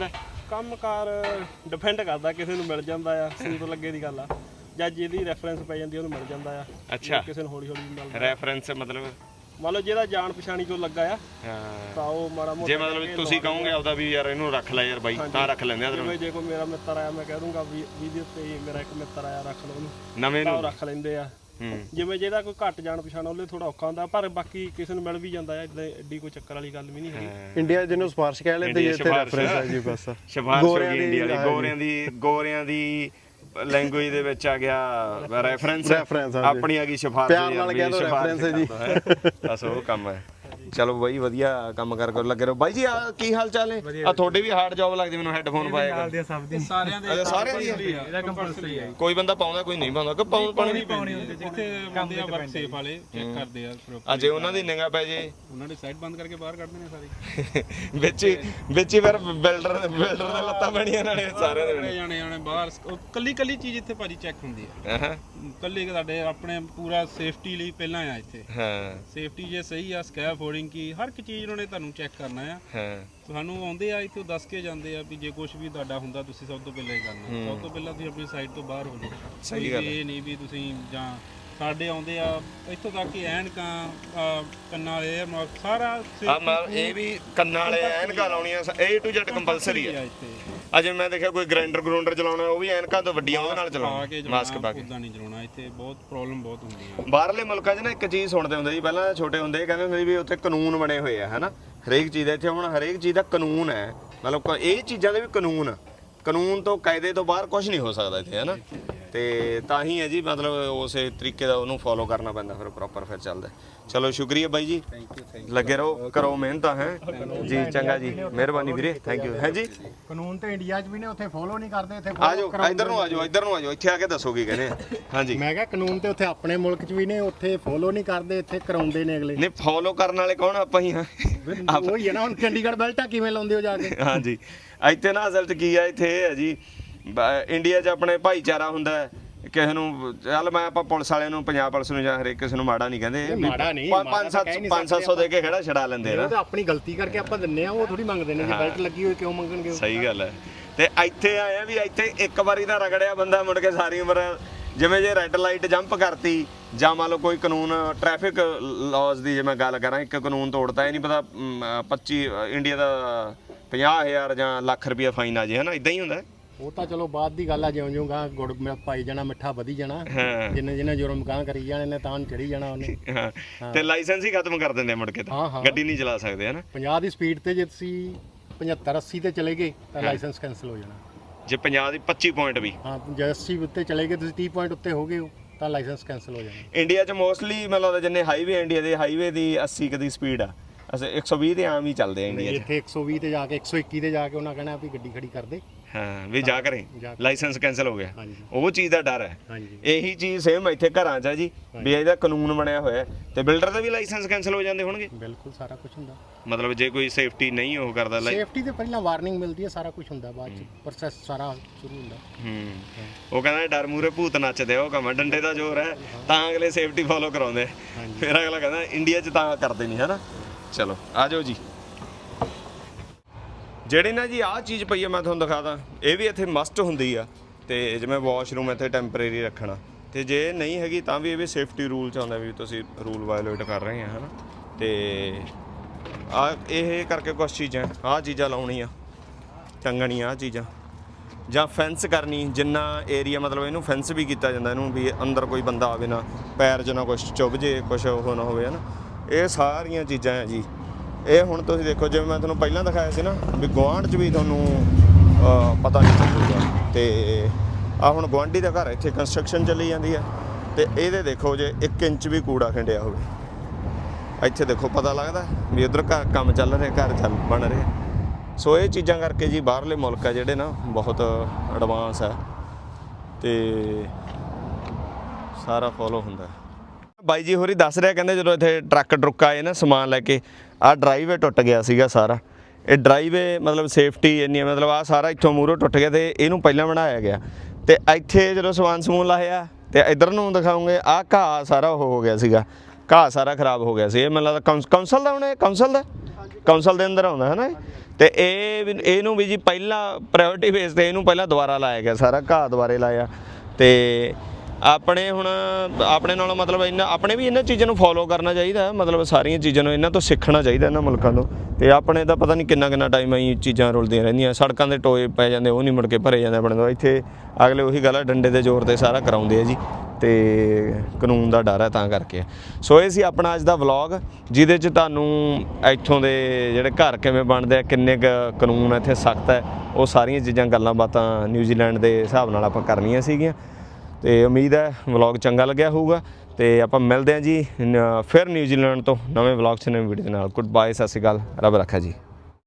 Speaker 8: ਕੰਮਕਾਰ ਡਿਪੈਂਡ ਕਰਦਾ, ਕਿਸੇ ਨੂੰ ਮਿਲ ਜਾਂਦਾ ਆ ਸੂਤ ਲੱਗੇ ਦੀ ਗੱਲ ਆ, ਜਾਂ ਜਿਹਦੀ ਰੈਫਰੈਂਸ ਪੈ ਜਾਂਦੀ ਉਹਨੂੰ ਮਿਲ ਜਾਂਦਾ ਆ।
Speaker 1: ਅੱਛਾ,
Speaker 8: ਕਿਸੇ ਨੂੰ ਹੌਲੀ ਹੌਲੀ ਮਿਲਦਾ।
Speaker 1: ਰੈਫਰੈਂਸ ਮਤਲਬ
Speaker 8: ਮੰਨ ਲਓ ਜਿਹਦਾ ਜਾਣ ਪਛਾਣੀ ਕੋਈ ਲੱਗਾ ਆ
Speaker 1: ਹਾਂ,
Speaker 8: ਤਾਂ ਉਹ ਮਾੜਾ ਮੋਟਾ
Speaker 1: ਜੇ ਮਤਲਬ ਤੁਸੀਂ ਕਹੋਗੇ ਆਪਦਾ ਵੀ ਯਾਰ ਇਹਨੂੰ ਰੱਖ ਲੈ ਯਾਰ ਬਾਈ, ਤਾਂ ਰੱਖ ਲੈਂਦੇ ਆ
Speaker 8: ਜਿਵੇਂ ਜੇ ਕੋਈ ਮੇਰਾ ਮਿੱਤਰ ਆਇਆ ਮੈਂ ਕਹਿ ਦੂੰਗਾ ਵੀ ਵੀਹ ਉੱਤੇ ਹੀ ਮੇਰਾ ਇੱਕ ਮਿੱਤਰ ਆਇਆ ਰੱਖ ਲਓ ਉਹਨੂੰ,
Speaker 1: ਨਵੇਂ
Speaker 8: ਤਾਂ
Speaker 1: ਨੂੰ
Speaker 8: ਉਹ ਰੱਖ ਲੈਂਦੇ ਆ।
Speaker 1: ਹੂੰ,
Speaker 8: ਜਿਵੇਂ ਜਿਹਦਾ ਕੋਈ ਘੱਟ ਜਾਣ ਪਛਾਣ ਉਹਲੇ ਥੋੜਾ ਔਖਾ ਹੁੰਦਾ, ਪਰ ਬਾਕੀ ਕਿਸੇ ਨੂੰ ਮਿਲ ਵੀ ਜਾਂਦਾ ਹੈ, ਇਦਾਂ ਐਡੀ ਕੋਈ ਚੱਕਰ ਵਾਲੀ ਗੱਲ ਵੀ ਨਹੀਂ ਹੈਗੀ।
Speaker 3: ਇੰਡੀਆ ਜਿਹਨੂੰ ਸਪਾਰਸ਼ ਕਹਿ ਲੈਂਦੇ
Speaker 1: ਇੰਡੀਆ
Speaker 3: ਇੱਥੇ
Speaker 1: ਸਿਫਾਰਿਸ਼
Speaker 3: ਰੈਫਰੈਂਸ ਹੈ ਜੀ ਬਸ।
Speaker 1: ਸਿਫਾਰਿਸ਼ ਹੋ
Speaker 3: ਗੋਰਿਆਂ
Speaker 1: ਗਈ
Speaker 3: ਦੀ,
Speaker 1: ਇੰਡੀਆ ਵਾਲੀ,
Speaker 3: ਹਾਂਜੀ।
Speaker 1: ਗੋਰਿਆਂ ਦੀ ਗੋਰਿਆਂ ਦੀ ਲੈਂਗੁਏਜ ਦੇ ਵਿੱਚ ਆ ਗਿਆ ਰੈਫਰੈਂਸ,
Speaker 3: Reference, ਹਾਂਜੀ।
Speaker 1: ਆਪਣੀ ਆ ਗਈ ਸਿਫਾਰਿਸ਼,
Speaker 3: ਪਿਆਰ ਨਾਲ ਕਹਿ ਦਿਓ reference ਹੈ ਜੀ।
Speaker 1: ਬਸ ਉਹ ਕੰਮ ਹੈ। ਚਲੋ ਬਾਈ ਵਧੀਆ ਕੰਮ ਕਰ ਕਰ ਲੱਗੇ ਰਹੋ। ਬਾਈ ਜੀ ਆ ਕੀ ਹਾਲ ਚਾਲ ਹੈ? ਆ ਤੁਹਾਡੇ ਵੀ ਹਾਰਡ ਜੌਬ ਲੱਗਦੀ ਮੈਨੂੰ, ਹੈੱਡਫੋਨ ਪਾਇਆ ਕਰ।
Speaker 9: ਸਭ ਦੀ ਸਾਰਿਆਂ ਦੇ
Speaker 1: ਅੱਛਾ ਸਾਰਿਆਂ ਦੀ ਹੈ?
Speaker 9: ਇਹਦਾ ਕੰਪਲਸਰੀ ਹੈ।
Speaker 1: ਕੋਈ ਬੰਦਾ ਪਾਉਂਦਾ ਕੋਈ ਨਹੀਂ ਪਾਉਂਦਾ, ਕਿ ਪਾਉਣ ਪਾਣੀ
Speaker 9: ਪਾਉਣੀ ਹੁੰਦੀ ਜਿੱਥੇ ਬੰਦੇ ਆ ਵਰਕ ਸੇਫ ਵਾਲੇ ਚੈੱਕ ਕਰਦੇ ਆ ਫਿਰ
Speaker 1: ਆ, ਜੇ ਉਹਨਾਂ ਦੀ ਨਿਗਾਹ ਪੈ ਜੇ
Speaker 9: ਉਹਨਾਂ ਦੇ ਸਾਈਡ ਬੰਦ ਕਰਕੇ ਬਾਹਰ ਕੱਢਦੇ ਨੇ ਸਾਰੇ
Speaker 1: ਵਿੱਚ ਹੀ ਵਿੱਚ ਹੀ ਫਿਰ ਬਿਲਡਰ ਬਿਲਡਰ ਦੇ ਲੱਤਾਂ ਬਣੀਆਂ ਨਾਲੇ ਸਾਰਿਆਂ ਦੇ
Speaker 9: ਸਾਰੇ ਜਾਣੇ ਜਾਣੇ ਬਾਹਰ ਉਹ ਕੱਲੀ ਕੱਲੀ ਚੀਜ਼ ਇੱਥੇ ਭਾਜੀ ਚੈੱਕ ਹੁੰਦੀ ਆ।
Speaker 1: ਹਾਂ
Speaker 9: ਕੱਲੀ ਸਾਡੇ ਆਪਣੇ ਪੂਰਾ ਸੇਫਟੀ ਲਈ ਪਹਿਲਾਂ ਆ ਇੱਥੇ।
Speaker 1: ਹਾਂ
Speaker 9: ਸੇਫਟੀ ਜੇ ਸਹੀ ਆ, ਸਕੈਫੋਲਡਿੰਗ ਕੀ ਹਰ ਇੱਕ ਚੀਜ਼ ਉਹਨਾਂ ਨੇ ਤੁਹਾਨੂੰ ਚੈੱਕ ਕਰਨਾ ਆ।
Speaker 1: ਹਾਂ
Speaker 9: ਤੁਹਾਨੂੰ ਆਉਂਦੇ ਆ ਇੱਥੇ ਦੱਸ ਕੇ ਜਾਂਦੇ ਆ ਵੀ ਜੇ ਕੁਝ ਵੀ ਤੁਹਾਡਾ ਹੁੰਦਾ ਤੁਸੀਂ ਸਭ ਤੋਂ ਪਹਿਲਾਂ ਹੀ ਕਰਨਾ। ਸਭ ਤੋਂ ਪਹਿਲਾਂ ਤੁਸੀਂ ਆਪਣੀ ਸਾਈਡ ਤੋਂ ਬਾਹਰ ਹੋ ਜਾਓ।
Speaker 1: ਸਹੀ ਗੱਲ ਹੈ।
Speaker 9: ਇਹ ਨਹੀਂ ਵੀ ਤੁਸੀਂ ਜਾਂ ਸਾਡੇ ਆਉਂਦੇ ਆ ਇੱਥੋਂ ਤੱਕ ਕਿ ਐਨਕਾਂ ਆਹ ਕੰਨਾਂ ਵਾਲੇ ਮ- ਸਾਰਾ
Speaker 1: ਆ ਮੈਂ ਇਹ ਵੀ ਕੰਨਾਂ ਵਾਲੇ ਐਨਕਾਂ ਲਾਉਣੀਆਂ ਏ ਟੂ ਜ਼ੈਡ ਕੰਪਲਸਰੀ ਹੈ।
Speaker 9: ਇੱਥੇ
Speaker 1: ਅਜੇ ਮੈਂ ਦੇਖਿਆ ਕੋਈ ਗ੍ਰਾਈਂਡਰ ਗਰਾਊਂਡਰ ਚਲਾਉਣਾ ਉਹ ਵੀ ਐਨਕਾਂ ਤੋਂ ਵੱਡੀਆਂ ਉਹਦੇ ਨਾਲ
Speaker 9: ਪਾ ਕੇ
Speaker 1: ਚਲਾਉਣਾ, ਮਾਸਕ ਪਾ ਕੇ।
Speaker 9: ਉਦਾਂ ਨਹੀਂ ਚਲਾਉਣਾ, ਇੱਥੇ ਬਹੁਤ ਪ੍ਰੋਬਲਮ ਬਹੁਤ ਹੁੰਦੀ ਆ।
Speaker 1: ਬਾਹਰਲੇ ਮੁਲਕਾਂ 'ਚ ਨਾ ਇੱਕ ਚੀਜ਼ ਸੁਣਦੇ ਹੁੰਦੇ ਜੀ, ਪਹਿਲਾਂ ਛੋਟੇ ਹੁੰਦੇ ਕਹਿੰਦੇ ਹੁੰਦੇ ਸੀ ਵੀ ਉੱਥੇ ਕਾਨੂੰਨ ਬਣੇ ਹੋਏ ਆ ਹਨਾ, ਹਰੇਕ ਚੀਜ਼ ਦਾ। ਇੱਥੇ ਹੁਣ ਹਰੇਕ ਚੀਜ਼ ਦਾ ਕਾਨੂੰਨ ਹੈ, ਮਤਲਬ ਕ- ਇਹ ਚੀਜ਼ਾਂ ਦੇ ਵੀ ਕਾਨੂੰਨ, ਕਾਨੂੰਨ ਤੋਂ ਕਾਇਦੇ ਤੋਂ ਬਾਹਰ ਕੁਝ ਨਹੀਂ ਹੋ ਸਕਦਾ ਇੱਥੇ ਹਨਾ। ਤੇ ਤਾਂ ਹੀ ਹੈ ਜੀ, ਮਤਲਬ ਉਸੇ ਤਰੀਕੇ ਦਾ ਉਹਨੂੰ ਫੋਲੋ ਕਰਨਾ ਪੈਂਦਾ, ਫਿਰ ਪ੍ਰੋਪਰ ਫਿਰ ਚੱਲਦਾ। ਚਲੋ ਸ਼ੁਕਰੀਆ ਬਾਈ ਜੀ, ਲੱਗੇ ਰਹੋ, ਕਰੋ ਮਿਹਨਤ ਹੈ ਜੀ। ਚੰਗਾ ਜੀ, ਮਿਹਰਬਾਨੀ ਵੀਰੇ, ਥੈਂਕ ਯੂ ਹੈ ਜੀ।
Speaker 4: ਕਾਨੂੰਨ ਤੇ ਇੰਡੀਆ 'ਚ ਵੀ ਨੇ, ਉੱਥੇ ਫੋਲੋ ਨਹੀਂ ਕਰਦੇ, ਇੱਥੇ
Speaker 1: ਆ ਜਾਓ ਇੱਧਰ ਨੂੰ, ਆ ਜਾਓ ਇੱਧਰ ਨੂੰ, ਆ ਜਾਓ ਇੱਥੇ ਆ ਕੇ ਦੱਸੋ ਕੀ ਕਹਿੰਦੇ ਆ। ਹਾਂਜੀ
Speaker 4: ਮੈਂ ਕਿਹਾ ਕਾਨੂੰਨ ਤੇ ਉੱਥੇ ਆਪਣੇ ਮੁਲਕ 'ਚ ਵੀ ਨੇ, ਉੱਥੇ ਫੋਲੋ ਨਹੀਂ ਕਰਦੇ, ਇੱਥੇ ਕਰਾਉਂਦੇ ਨੇ ਅਗਲੇ।
Speaker 1: ਨਹੀਂ ਫੋਲੋ ਕਰਨ ਵਾਲੇ ਕੌਣ? ਆਪਾਂ ਹੀ ਹਾਂ।
Speaker 4: ਉਹੀ ਹੈ ਨਾ, ਹੁਣ ਚੰਡੀਗੜ੍ਹ ਬੈਲਟਾਂ ਕਿਵੇਂ ਲਾਉਂਦੇ ਹੋ ਜਾ ਕੇ?
Speaker 1: ਹਾਂਜੀ ਇੱਥੇ ਨਾ ਅਸਲ 'ਚ ਕੀ ਆ, ਇੱਥੇ ਇਹ ਹੈ ਜੀ, ਬ- ਇੰਡੀਆ 'ਚ ਆਪਣੇ ਭਾਈਚਾਰਾ ਹੁੰਦਾ ਹੈ। ਕਿਸੇ ਨੂੰ ਚੱਲ ਮੈਂ ਆਪਾਂ ਪੁਲਿਸ ਵਾਲਿਆਂ ਨੂੰ, ਪੰਜਾਬ ਪੁਲਿਸ ਨੂੰ ਜਾਂ ਹਰੇਕ ਕਿਸੇ ਨੂੰ ਮਾੜਾ ਨਹੀਂ ਕਹਿੰਦੇ,
Speaker 4: ਮਾੜਾ ਨਹੀਂ,
Speaker 1: ਪੰਜ
Speaker 4: ਮਾੜਾ ਤਾਂ
Speaker 1: ਸੱਤ
Speaker 4: ਕਹਿ ਨਹੀਂ
Speaker 1: ਪੰਜ ਸੱਤ ਸੌ ਦੇ ਕੇ ਖੜਾ ਛਡਾ ਲੈਂਦੇ
Speaker 4: ਉਹ
Speaker 1: ਨਾ।
Speaker 4: ਤਾਂ ਆਪਣੀ ਗਲਤੀ ਕਰਕੇ ਆਪਾਂ ਦਿੰਨੇ ਆ, ਉਹ ਥੋੜੀ ਮੰਗਦੇ ਨੇ। ਜੇ ਬੈਲਟ ਲੱਗੀ ਹੋਈ ਕਿਉਂ ਮੰਗਣਗੇ ਉਹ?
Speaker 1: ਸਹੀ ਗੱਲ ਹੈ। ਤੇ ਇੱਥੇ ਆਇਆ ਵੀ ਇੱਥੇ ਇੱਕ ਵਾਰੀ ਤਾਂ ਰਗੜਿਆ ਬੰਦਾ, ਮੁੜ ਕੇ ਸਾਰੀ ਉਮਰ ਜਿਵੇਂ ਜੇ ਰੈੱਡ ਲਾਈਟ ਜੰਪ ਕਰਤੀ ਜਾਂ ਮੰਨ ਲਓ ਕੋਈ ਕਾਨੂੰਨ ਟ੍ਰੈਫਿਕ ਲਾਜ਼ ਦੀ ਜੇ ਮੈਂ ਗੱਲ ਕਰਾਂ, ਇੱਕ ਕਾਨੂੰਨ ਤੋੜਤਾ, ਇਹ ਨਹੀਂ ਪਤਾ ਪੱਚੀ ਇੰਡੀਆ ਦਾ ਪੰਜਾਹ ਹਜ਼ਾਰ ਜਾਂ ਲੱਖ ਰੁਪਇਆ ਫਾਈਨ ਆ ਜੇ ਹਨਾ, ਇਦਾਂ ਹੀ ਹੁੰਦਾ।
Speaker 4: ਉਹ ਤਾਂ ਚਲੋ ਬਾਅਦ ਦੀ ਗੱਲ ਆ, ਜਿਉਂ ਜਿਉਂ ਗਾਂ ਗੁੜ ਮਿ- ਪਾਈ ਜਾਣਾ, ਮਿੱਠਾ ਵਧੀ ਜਾਣਾ,
Speaker 1: ਹਾਂ
Speaker 4: ਜਿੰਨੇ ਜਿੰਨੇ ਜੁਰਮ ਗਾਂ ਕਰੀ ਜਾਣੇ ਨੇ ਤਾਂ ਚੜੀ ਜਾਣਾ ਉਹਨੇ।
Speaker 1: ਹਾਂ ਤੇ ਲਾਇਸੈਂਸ ਹੀ ਖਤਮ ਕਰ ਦਿੰਦੇ ਆ ਮੁੜ ਕੇ,
Speaker 4: ਹਾਂ,
Speaker 1: ਤਾਂ
Speaker 4: ਹਾਂ।
Speaker 1: ਗੱਡੀ ਨਹੀਂ ਚਲਾ ਸਕਦੇ ਹਨਾ।
Speaker 4: ਪੰਜਾਹ ਦੀ ਸਪੀਡ ਤੇ ਜੇ ਤੁਸੀਂ ਪਝੱਤਰ ਅੱਸੀ ਤੇ ਚਲੇ ਗਏ ਤਾਂ ਲਾਇਸੈਂਸ ਕੈਂਸਲ ਹੋ ਜਾਣਾ।
Speaker 1: ਜੇ ਪੰਜਾਹ ਦੀ ਪੱਚੀ ਪੁਆਇੰਟ ਵੀ
Speaker 4: ਹਾਂ ਜੇ ਅੱਸੀ ਉੱਤੇ ਚਲੇ ਗਏ, ਤੁਸੀਂ ਤੀਹ ਪੁਆਇੰਟ ਉੱਤੇ ਹੋ ਗਏ ਹੋ ਤਾਂ ਲਾਇਸੈਂਸ ਕੈਂਸਲ ਹੋ ਜਾਣਾ।
Speaker 1: ਇੰਡੀਆ 'ਚ ਮੋਸਟਲੀ ਮੈਨੂੰ ਲੱਗਦਾ ਜਿੰਨੇ ਹਾਈਵੇ ਇੰਡੀਆ ਦੇ ਹਾਈਵੇ ਦੀ ਅੱਸੀ ਕੁ ਦੀ ਸਪੀਡ ਆ, ਅਸੀਂ ਇੱਕ ਸੌ ਵੀਹ ਦੇ ਆਮ ਹੀ ਚੱਲਦੇ ਆ ਇੰਡੀਆ 'ਚ।
Speaker 4: ਇੱਥੇ ਇੱਕ ਸੌ ਵੀਹ ਤੇ ਜਾ ਕੇ ਇੱਕ ਸੌ ਇੱਕੀ ਤੇ ਜਾ ਕੇ ਉਹਨਾਂ ਕਹਿਣਾ ਵੀ ਗੱਡੀ ਖੜੀ ਕਰ ਦੇ।
Speaker 1: ਹਾਂ ਵੀ ਜਾ ਕਰੇ
Speaker 4: ਜਾ ਕੇ।
Speaker 1: ਲਾਇਸੈਂਸ ਕੈਂਸਲ ਹੋ ਗਿਆ,
Speaker 4: ਹਾਂਜੀ।
Speaker 1: ਉਹ ਚੀਜ਼ ਦਾ ਡਰ ਹੈ।
Speaker 4: ਹਾਂਜੀ
Speaker 1: ਇਹੀ ਚੀਜ਼ ਸੇਮ ਇੱਥੇ ਘਰਾਂ 'ਚ ਆ ਜੀ, ਵੀ ਇਹਦਾ ਕਾਨੂੰਨ ਬਣਿਆ ਹੋਇਆ ਤੇ ਬਿਲਡਰ ਦੇ ਵੀ ਲਾਇਸੈਂਸ ਕੈਂਸਲ ਹੋ ਜਾਂਦੇ ਹੋਣਗੇ।
Speaker 4: ਬਿਲਕੁਲ ਸਾਰਾ ਕੁਝ ਹੁੰਦਾ।
Speaker 1: ਮਤਲਬ ਜੇ ਕੋਈ ਸੇਫਟੀ ਨਹੀਂ ਉਹ ਕਰਦਾ ਲਾਈ
Speaker 4: ਸੇਫਟੀ ਤੇ ਪਹਿਲਾਂ ਵਾਰਨਿੰਗ ਮਿਲਦੀ ਹੈ, ਸਾਰਾ ਕੁਝ ਹੁੰਦਾ, ਬਾਅਦ ਚ ਪ੍ਰੋਸੈਸ ਸਾਰਾ ਸ਼ੁਰੂ ਹੁੰਦਾ।
Speaker 1: ਹੂੰ ਉਹ ਕਹਿੰਦਾ ਡਰ ਮੂਰੇ ਭੂਤ ਨੱਚਦੇ ਆ, ਉਹ ਕੰਮ ਡੰਡੇ ਦਾ ਜ਼ੋਰ ਹੈ ਤਾਂ ਅਗਲੇ ਸੇਫਟੀ ਫੋਲੋ ਕਰਾਉਂਦੇ, ਫਿਰ ਅਗਲਾ ਕਹਿੰਦਾ ਇੰਡੀਆ 'ਚ ਤਾਂ ਕਰਦੇ ਨਹੀਂ ਹਨਾ। ਚਲੋ ਆ ਜਾਓ ਜੀ। ਜਿਹੜੀ ਨਾ ਜੀ ਆਹ ਚੀਜ਼ ਪਈ ਆ ਮੈਂ ਤੁਹਾਨੂੰ ਦਿਖਾ ਦਾਂ, ਇਹ ਵੀ ਇੱਥੇ ਮਸਟ ਹੁੰਦੀ ਆ। ਤੇ ਜਿਵੇਂ ਵਾਸ਼ਰੂਮ ਇੱਥੇ ਟੈਂਪਰੇਰੀ ਰੱਖਣਾ, ਤੇ ਜੇ ਨਹੀਂ ਹੈਗੀ ਤਾਂ ਵੀ ਇਹ ਵੀ ਸੇਫਟੀ ਰੂਲ 'ਚ ਆਉਂਦਾ ਵੀ ਤੁਸੀਂ ਰੂਲ ਵਾਇਓਲੇਟ ਕਰ ਰਹੇ ਆ ਹਨਾ। ਤੇ ਆ ਇਹ ਕਰਕੇ ਕੁਛ ਚੀਜ਼ਾਂ ਆਹ ਚੀਜ਼ਾਂ ਲਾਉਣੀਆਂ, ਟੰਗਣੀਆਂ ਆਹ ਚੀਜ਼ਾਂ, ਜਾਂ ਫੈਂਸ ਕਰਨੀ, ਜਿੰਨਾ ਏਰੀਆ ਮਤਲਬ ਇਹਨੂੰ ਫੈਂਸ ਵੀ ਕੀਤਾ ਜਾਂਦਾ, ਇਹਨੂੰ ਵੀ ਅੰਦਰ ਕੋਈ ਬੰਦਾ ਆਵੇ ਨਾ, ਪੈਰ 'ਚ ਨਾ ਕੁਛ ਚੁੱਭ ਜੇ, ਕੁਛ ਉਹ ਨਾ ਹੋਵੇ ਹਨਾ। ਇਹ ਸਾਰੀਆਂ ਚੀਜ਼ਾਂ ਹੈ ਜੀ। ਇਹ ਹੁਣ ਤੁਸੀਂ ਦੇਖੋ, ਜਿਵੇਂ ਮੈਂ ਤੁਹਾਨੂੰ ਪਹਿਲਾਂ ਦਿਖਾਇਆ ਸੀ ਨਾ ਵੀ ਗੁਆਂਢ 'ਚ ਵੀ ਤੁਹਾਨੂੰ ਅਹ, ਪਤਾ ਨਹੀਂ ਚੱਲੂਗਾ। ਤੇ ਆ ਹੁਣ ਗੁਆਂਢੀ ਦਾ ਘਰ ਇੱਥੇ ਕੰਸਟਰਕਸ਼ਨ ਚੱਲੀ ਜਾਂਦੀ ਹੈ, ਤੇ ਇਹਦੇ ਦੇਖੋ ਜੇ ਇੱਕ ਇੰਚ ਵੀ ਕੂੜਾ ਖਿੰਡਿਆ ਹੋਵੇ, ਇੱਥੇ ਦੇਖੋ ਪਤਾ ਲੱਗਦਾ ਵੀ ਉੱਧਰ ਘਰ ਕੰਮ ਚੱਲ ਰਿਹਾ, ਘਰ ਚੱਲ ਬਣ ਰਿਹਾ। ਸੋ ਇਹ ਚੀਜ਼ਾਂ ਕਰਕੇ ਜੀ ਬਾਹਰਲੇ ਮੁਲਕ ਆ ਜਿਹੜੇ ਨਾ ਬਹੁਤ ਐਡਵਾਂਸ ਹੈ ਤੇ ਸਾਰਾ ਫੋਲੋ ਹੁੰਦਾ। ਬਾਈ ਜੀ ਹੋਰੀ ਦੱਸ ਰਿਹਾ, ਕਹਿੰਦੇ ਜਦੋਂ ਇੱਥੇ ਟਰੱਕ ਟਰੁੱਕ ਆਏ ਨਾ ਸਮਾਨ ਲੈ ਕੇ, ਆਹ ਡਰਾਈਵੇ ਟੁੱਟ ਗਿਆ ਸੀਗਾ ਸਾਰਾ। ਇਹ ਡਰਾਈਵੇ ਮਤਲਬ ਸੇਫਟੀ ਇੰਨੀ, ਮਤਲਬ ਆਹ ਸਾਰਾ ਇੱਥੋਂ ਮੂਹਰੋਂ ਟੁੱਟ ਗਿਆ ਤੇ ਇਹਨੂੰ ਪਹਿਲਾਂ ਬਣਾਇਆ ਗਿਆ। ਤੇ ਇੱਥੇ ਜਦੋਂ ਸਮਾਨ ਸਮੂਨ ਲਾਇਆ ਤੇ ਇੱਧਰ ਨੂੰ ਦਿਖਾਉਂਗੇ, ਆਹ ਘਾਹ ਸਾਰਾ ਉਹ ਹੋ ਗਿਆ ਸੀਗਾ, ਘਾਹ ਸਾਰਾ ਖਰਾਬ ਹੋ ਗਿਆ ਸੀ। ਇਹ ਮੈਨੂੰ ਲੱਗਦਾ ਕੌਂਸਲ ਦਾ, ਹੁਣ ਇਹ ਕੌਂਸਲ ਦਾ ਕਾਉਂਸਲ ਦੇ ਅੰਦਰ ਆਉਂਦਾ ਹੈ ਨਾ ਇਹ? ਤੇ ਇਹ ਵੀ ਇਹਨੂੰ ਵੀ ਜੀ ਪਹਿਲਾਂ ਪ੍ਰਾਇੋਰਟੀ ਬੇਸ ਤੇ ਇਹਨੂੰ ਪਹਿਲਾਂ ਦੁਬਾਰਾ ਲਾਇਆ ਗਿਆ, ਸਾਰਾ ਘਾਹ ਦੁਬਾਰੇ ਲਾਇਆ। ਤੇ ਆਪਣੇ ਹੁਣ ਆਪਣੇ ਨਾਲੋਂ ਮਤਲਬ ਇਹਨਾਂ ਆਪਣੇ ਵੀ ਇਹਨਾਂ ਚੀਜ਼ਾਂ ਨੂੰ ਫੋਲੋ ਕਰਨਾ ਚਾਹੀਦਾ, ਮਤਲਬ ਸਾਰੀਆਂ ਚੀਜ਼ਾਂ ਨੂੰ ਇਹਨਾਂ ਤੋਂ ਸਿੱਖਣਾ ਚਾਹੀਦਾ ਇਹਨਾਂ ਮੁਲਕਾਂ ਤੋਂ। ਤੇ ਆਪਣੇ ਤਾਂ ਪਤਾ ਨਹੀਂ ਕਿੰਨਾ ਕਿੰਨਾ ਟਾਈਮ ਆਈ ਚੀਜ਼ਾਂ ਰੁਲਦੀਆਂ ਰਹਿੰਦੀਆਂ, ਸੜਕਾਂ ਦੇ ਟੋਏ ਪੈ ਜਾਂਦੇ ਉਹ ਨਹੀਂ ਮੁੜ ਕੇ ਭਰੇ ਜਾਂਦੇ ਆਪਣੇ ਤੋਂ। ਇੱਥੇ ਅਗਲੇ ਉਹੀ ਗੱਲ ਆ, ਡੰਡੇ ਦੇ ਜ਼ੋਰ ਤੇ ਸਾਰਾ ਕਰਾਉਂਦੇ ਆ ਜੀ, ਤੇ ਕਾਨੂੰਨ ਦਾ ਡਰ ਹੈ ਤਾਂ ਕਰਕੇ। ਸੋ ਇਹ ਸੀ ਆਪਣਾ ਅੱਜ ਦਾ ਵਲੌਗ, ਜਿਹਦੇ 'ਚ ਤੁਹਾਨੂੰ ਇੱਥੋਂ ਦੇ ਜਿਹੜੇ ਘਰ ਕਿਵੇਂ ਬਣਦੇ ਆ, ਕਿੰਨੇ ਕੁ ਕਾਨੂੰਨ ਇੱਥੇ ਸਖਤ ਹੈ, ਉਹ ਸਾਰੀਆਂ ਚੀਜ਼ਾਂ ਗੱਲਾਂ ਬਾਤਾਂ ਨਿਊਜ਼ੀਲੈਂਡ ਦੇ ਹਿਸਾਬ ਨਾਲ ਆਪਾਂ ਕਰਨੀਆਂ ਸੀਗੀਆਂ। ਤੇ ਉਮੀਦ ਹੈ ਵਲੌਗ ਚੰਗਾ ਲੱਗਿਆ ਹੋਊਗਾ, ਤੇ ਆਪਾਂ ਮਿਲਦੇ ਹਾਂ ਜੀ ਨ- ਫਿਰ ਨਿਊਜ਼ੀਲੈਂਡ ਤੋਂ ਨਵੇਂ ਵਲੌਗ 'ਚ ਨਵੀਂ ਵੀਡੀਓ ਦੇ ਨਾਲ। ਗੁੱਡ ਬਾਏ, ਸਤਿ ਸ਼੍ਰੀ ਅਕਾਲ, ਰੱਬ ਰੱਖਾ ਜੀ।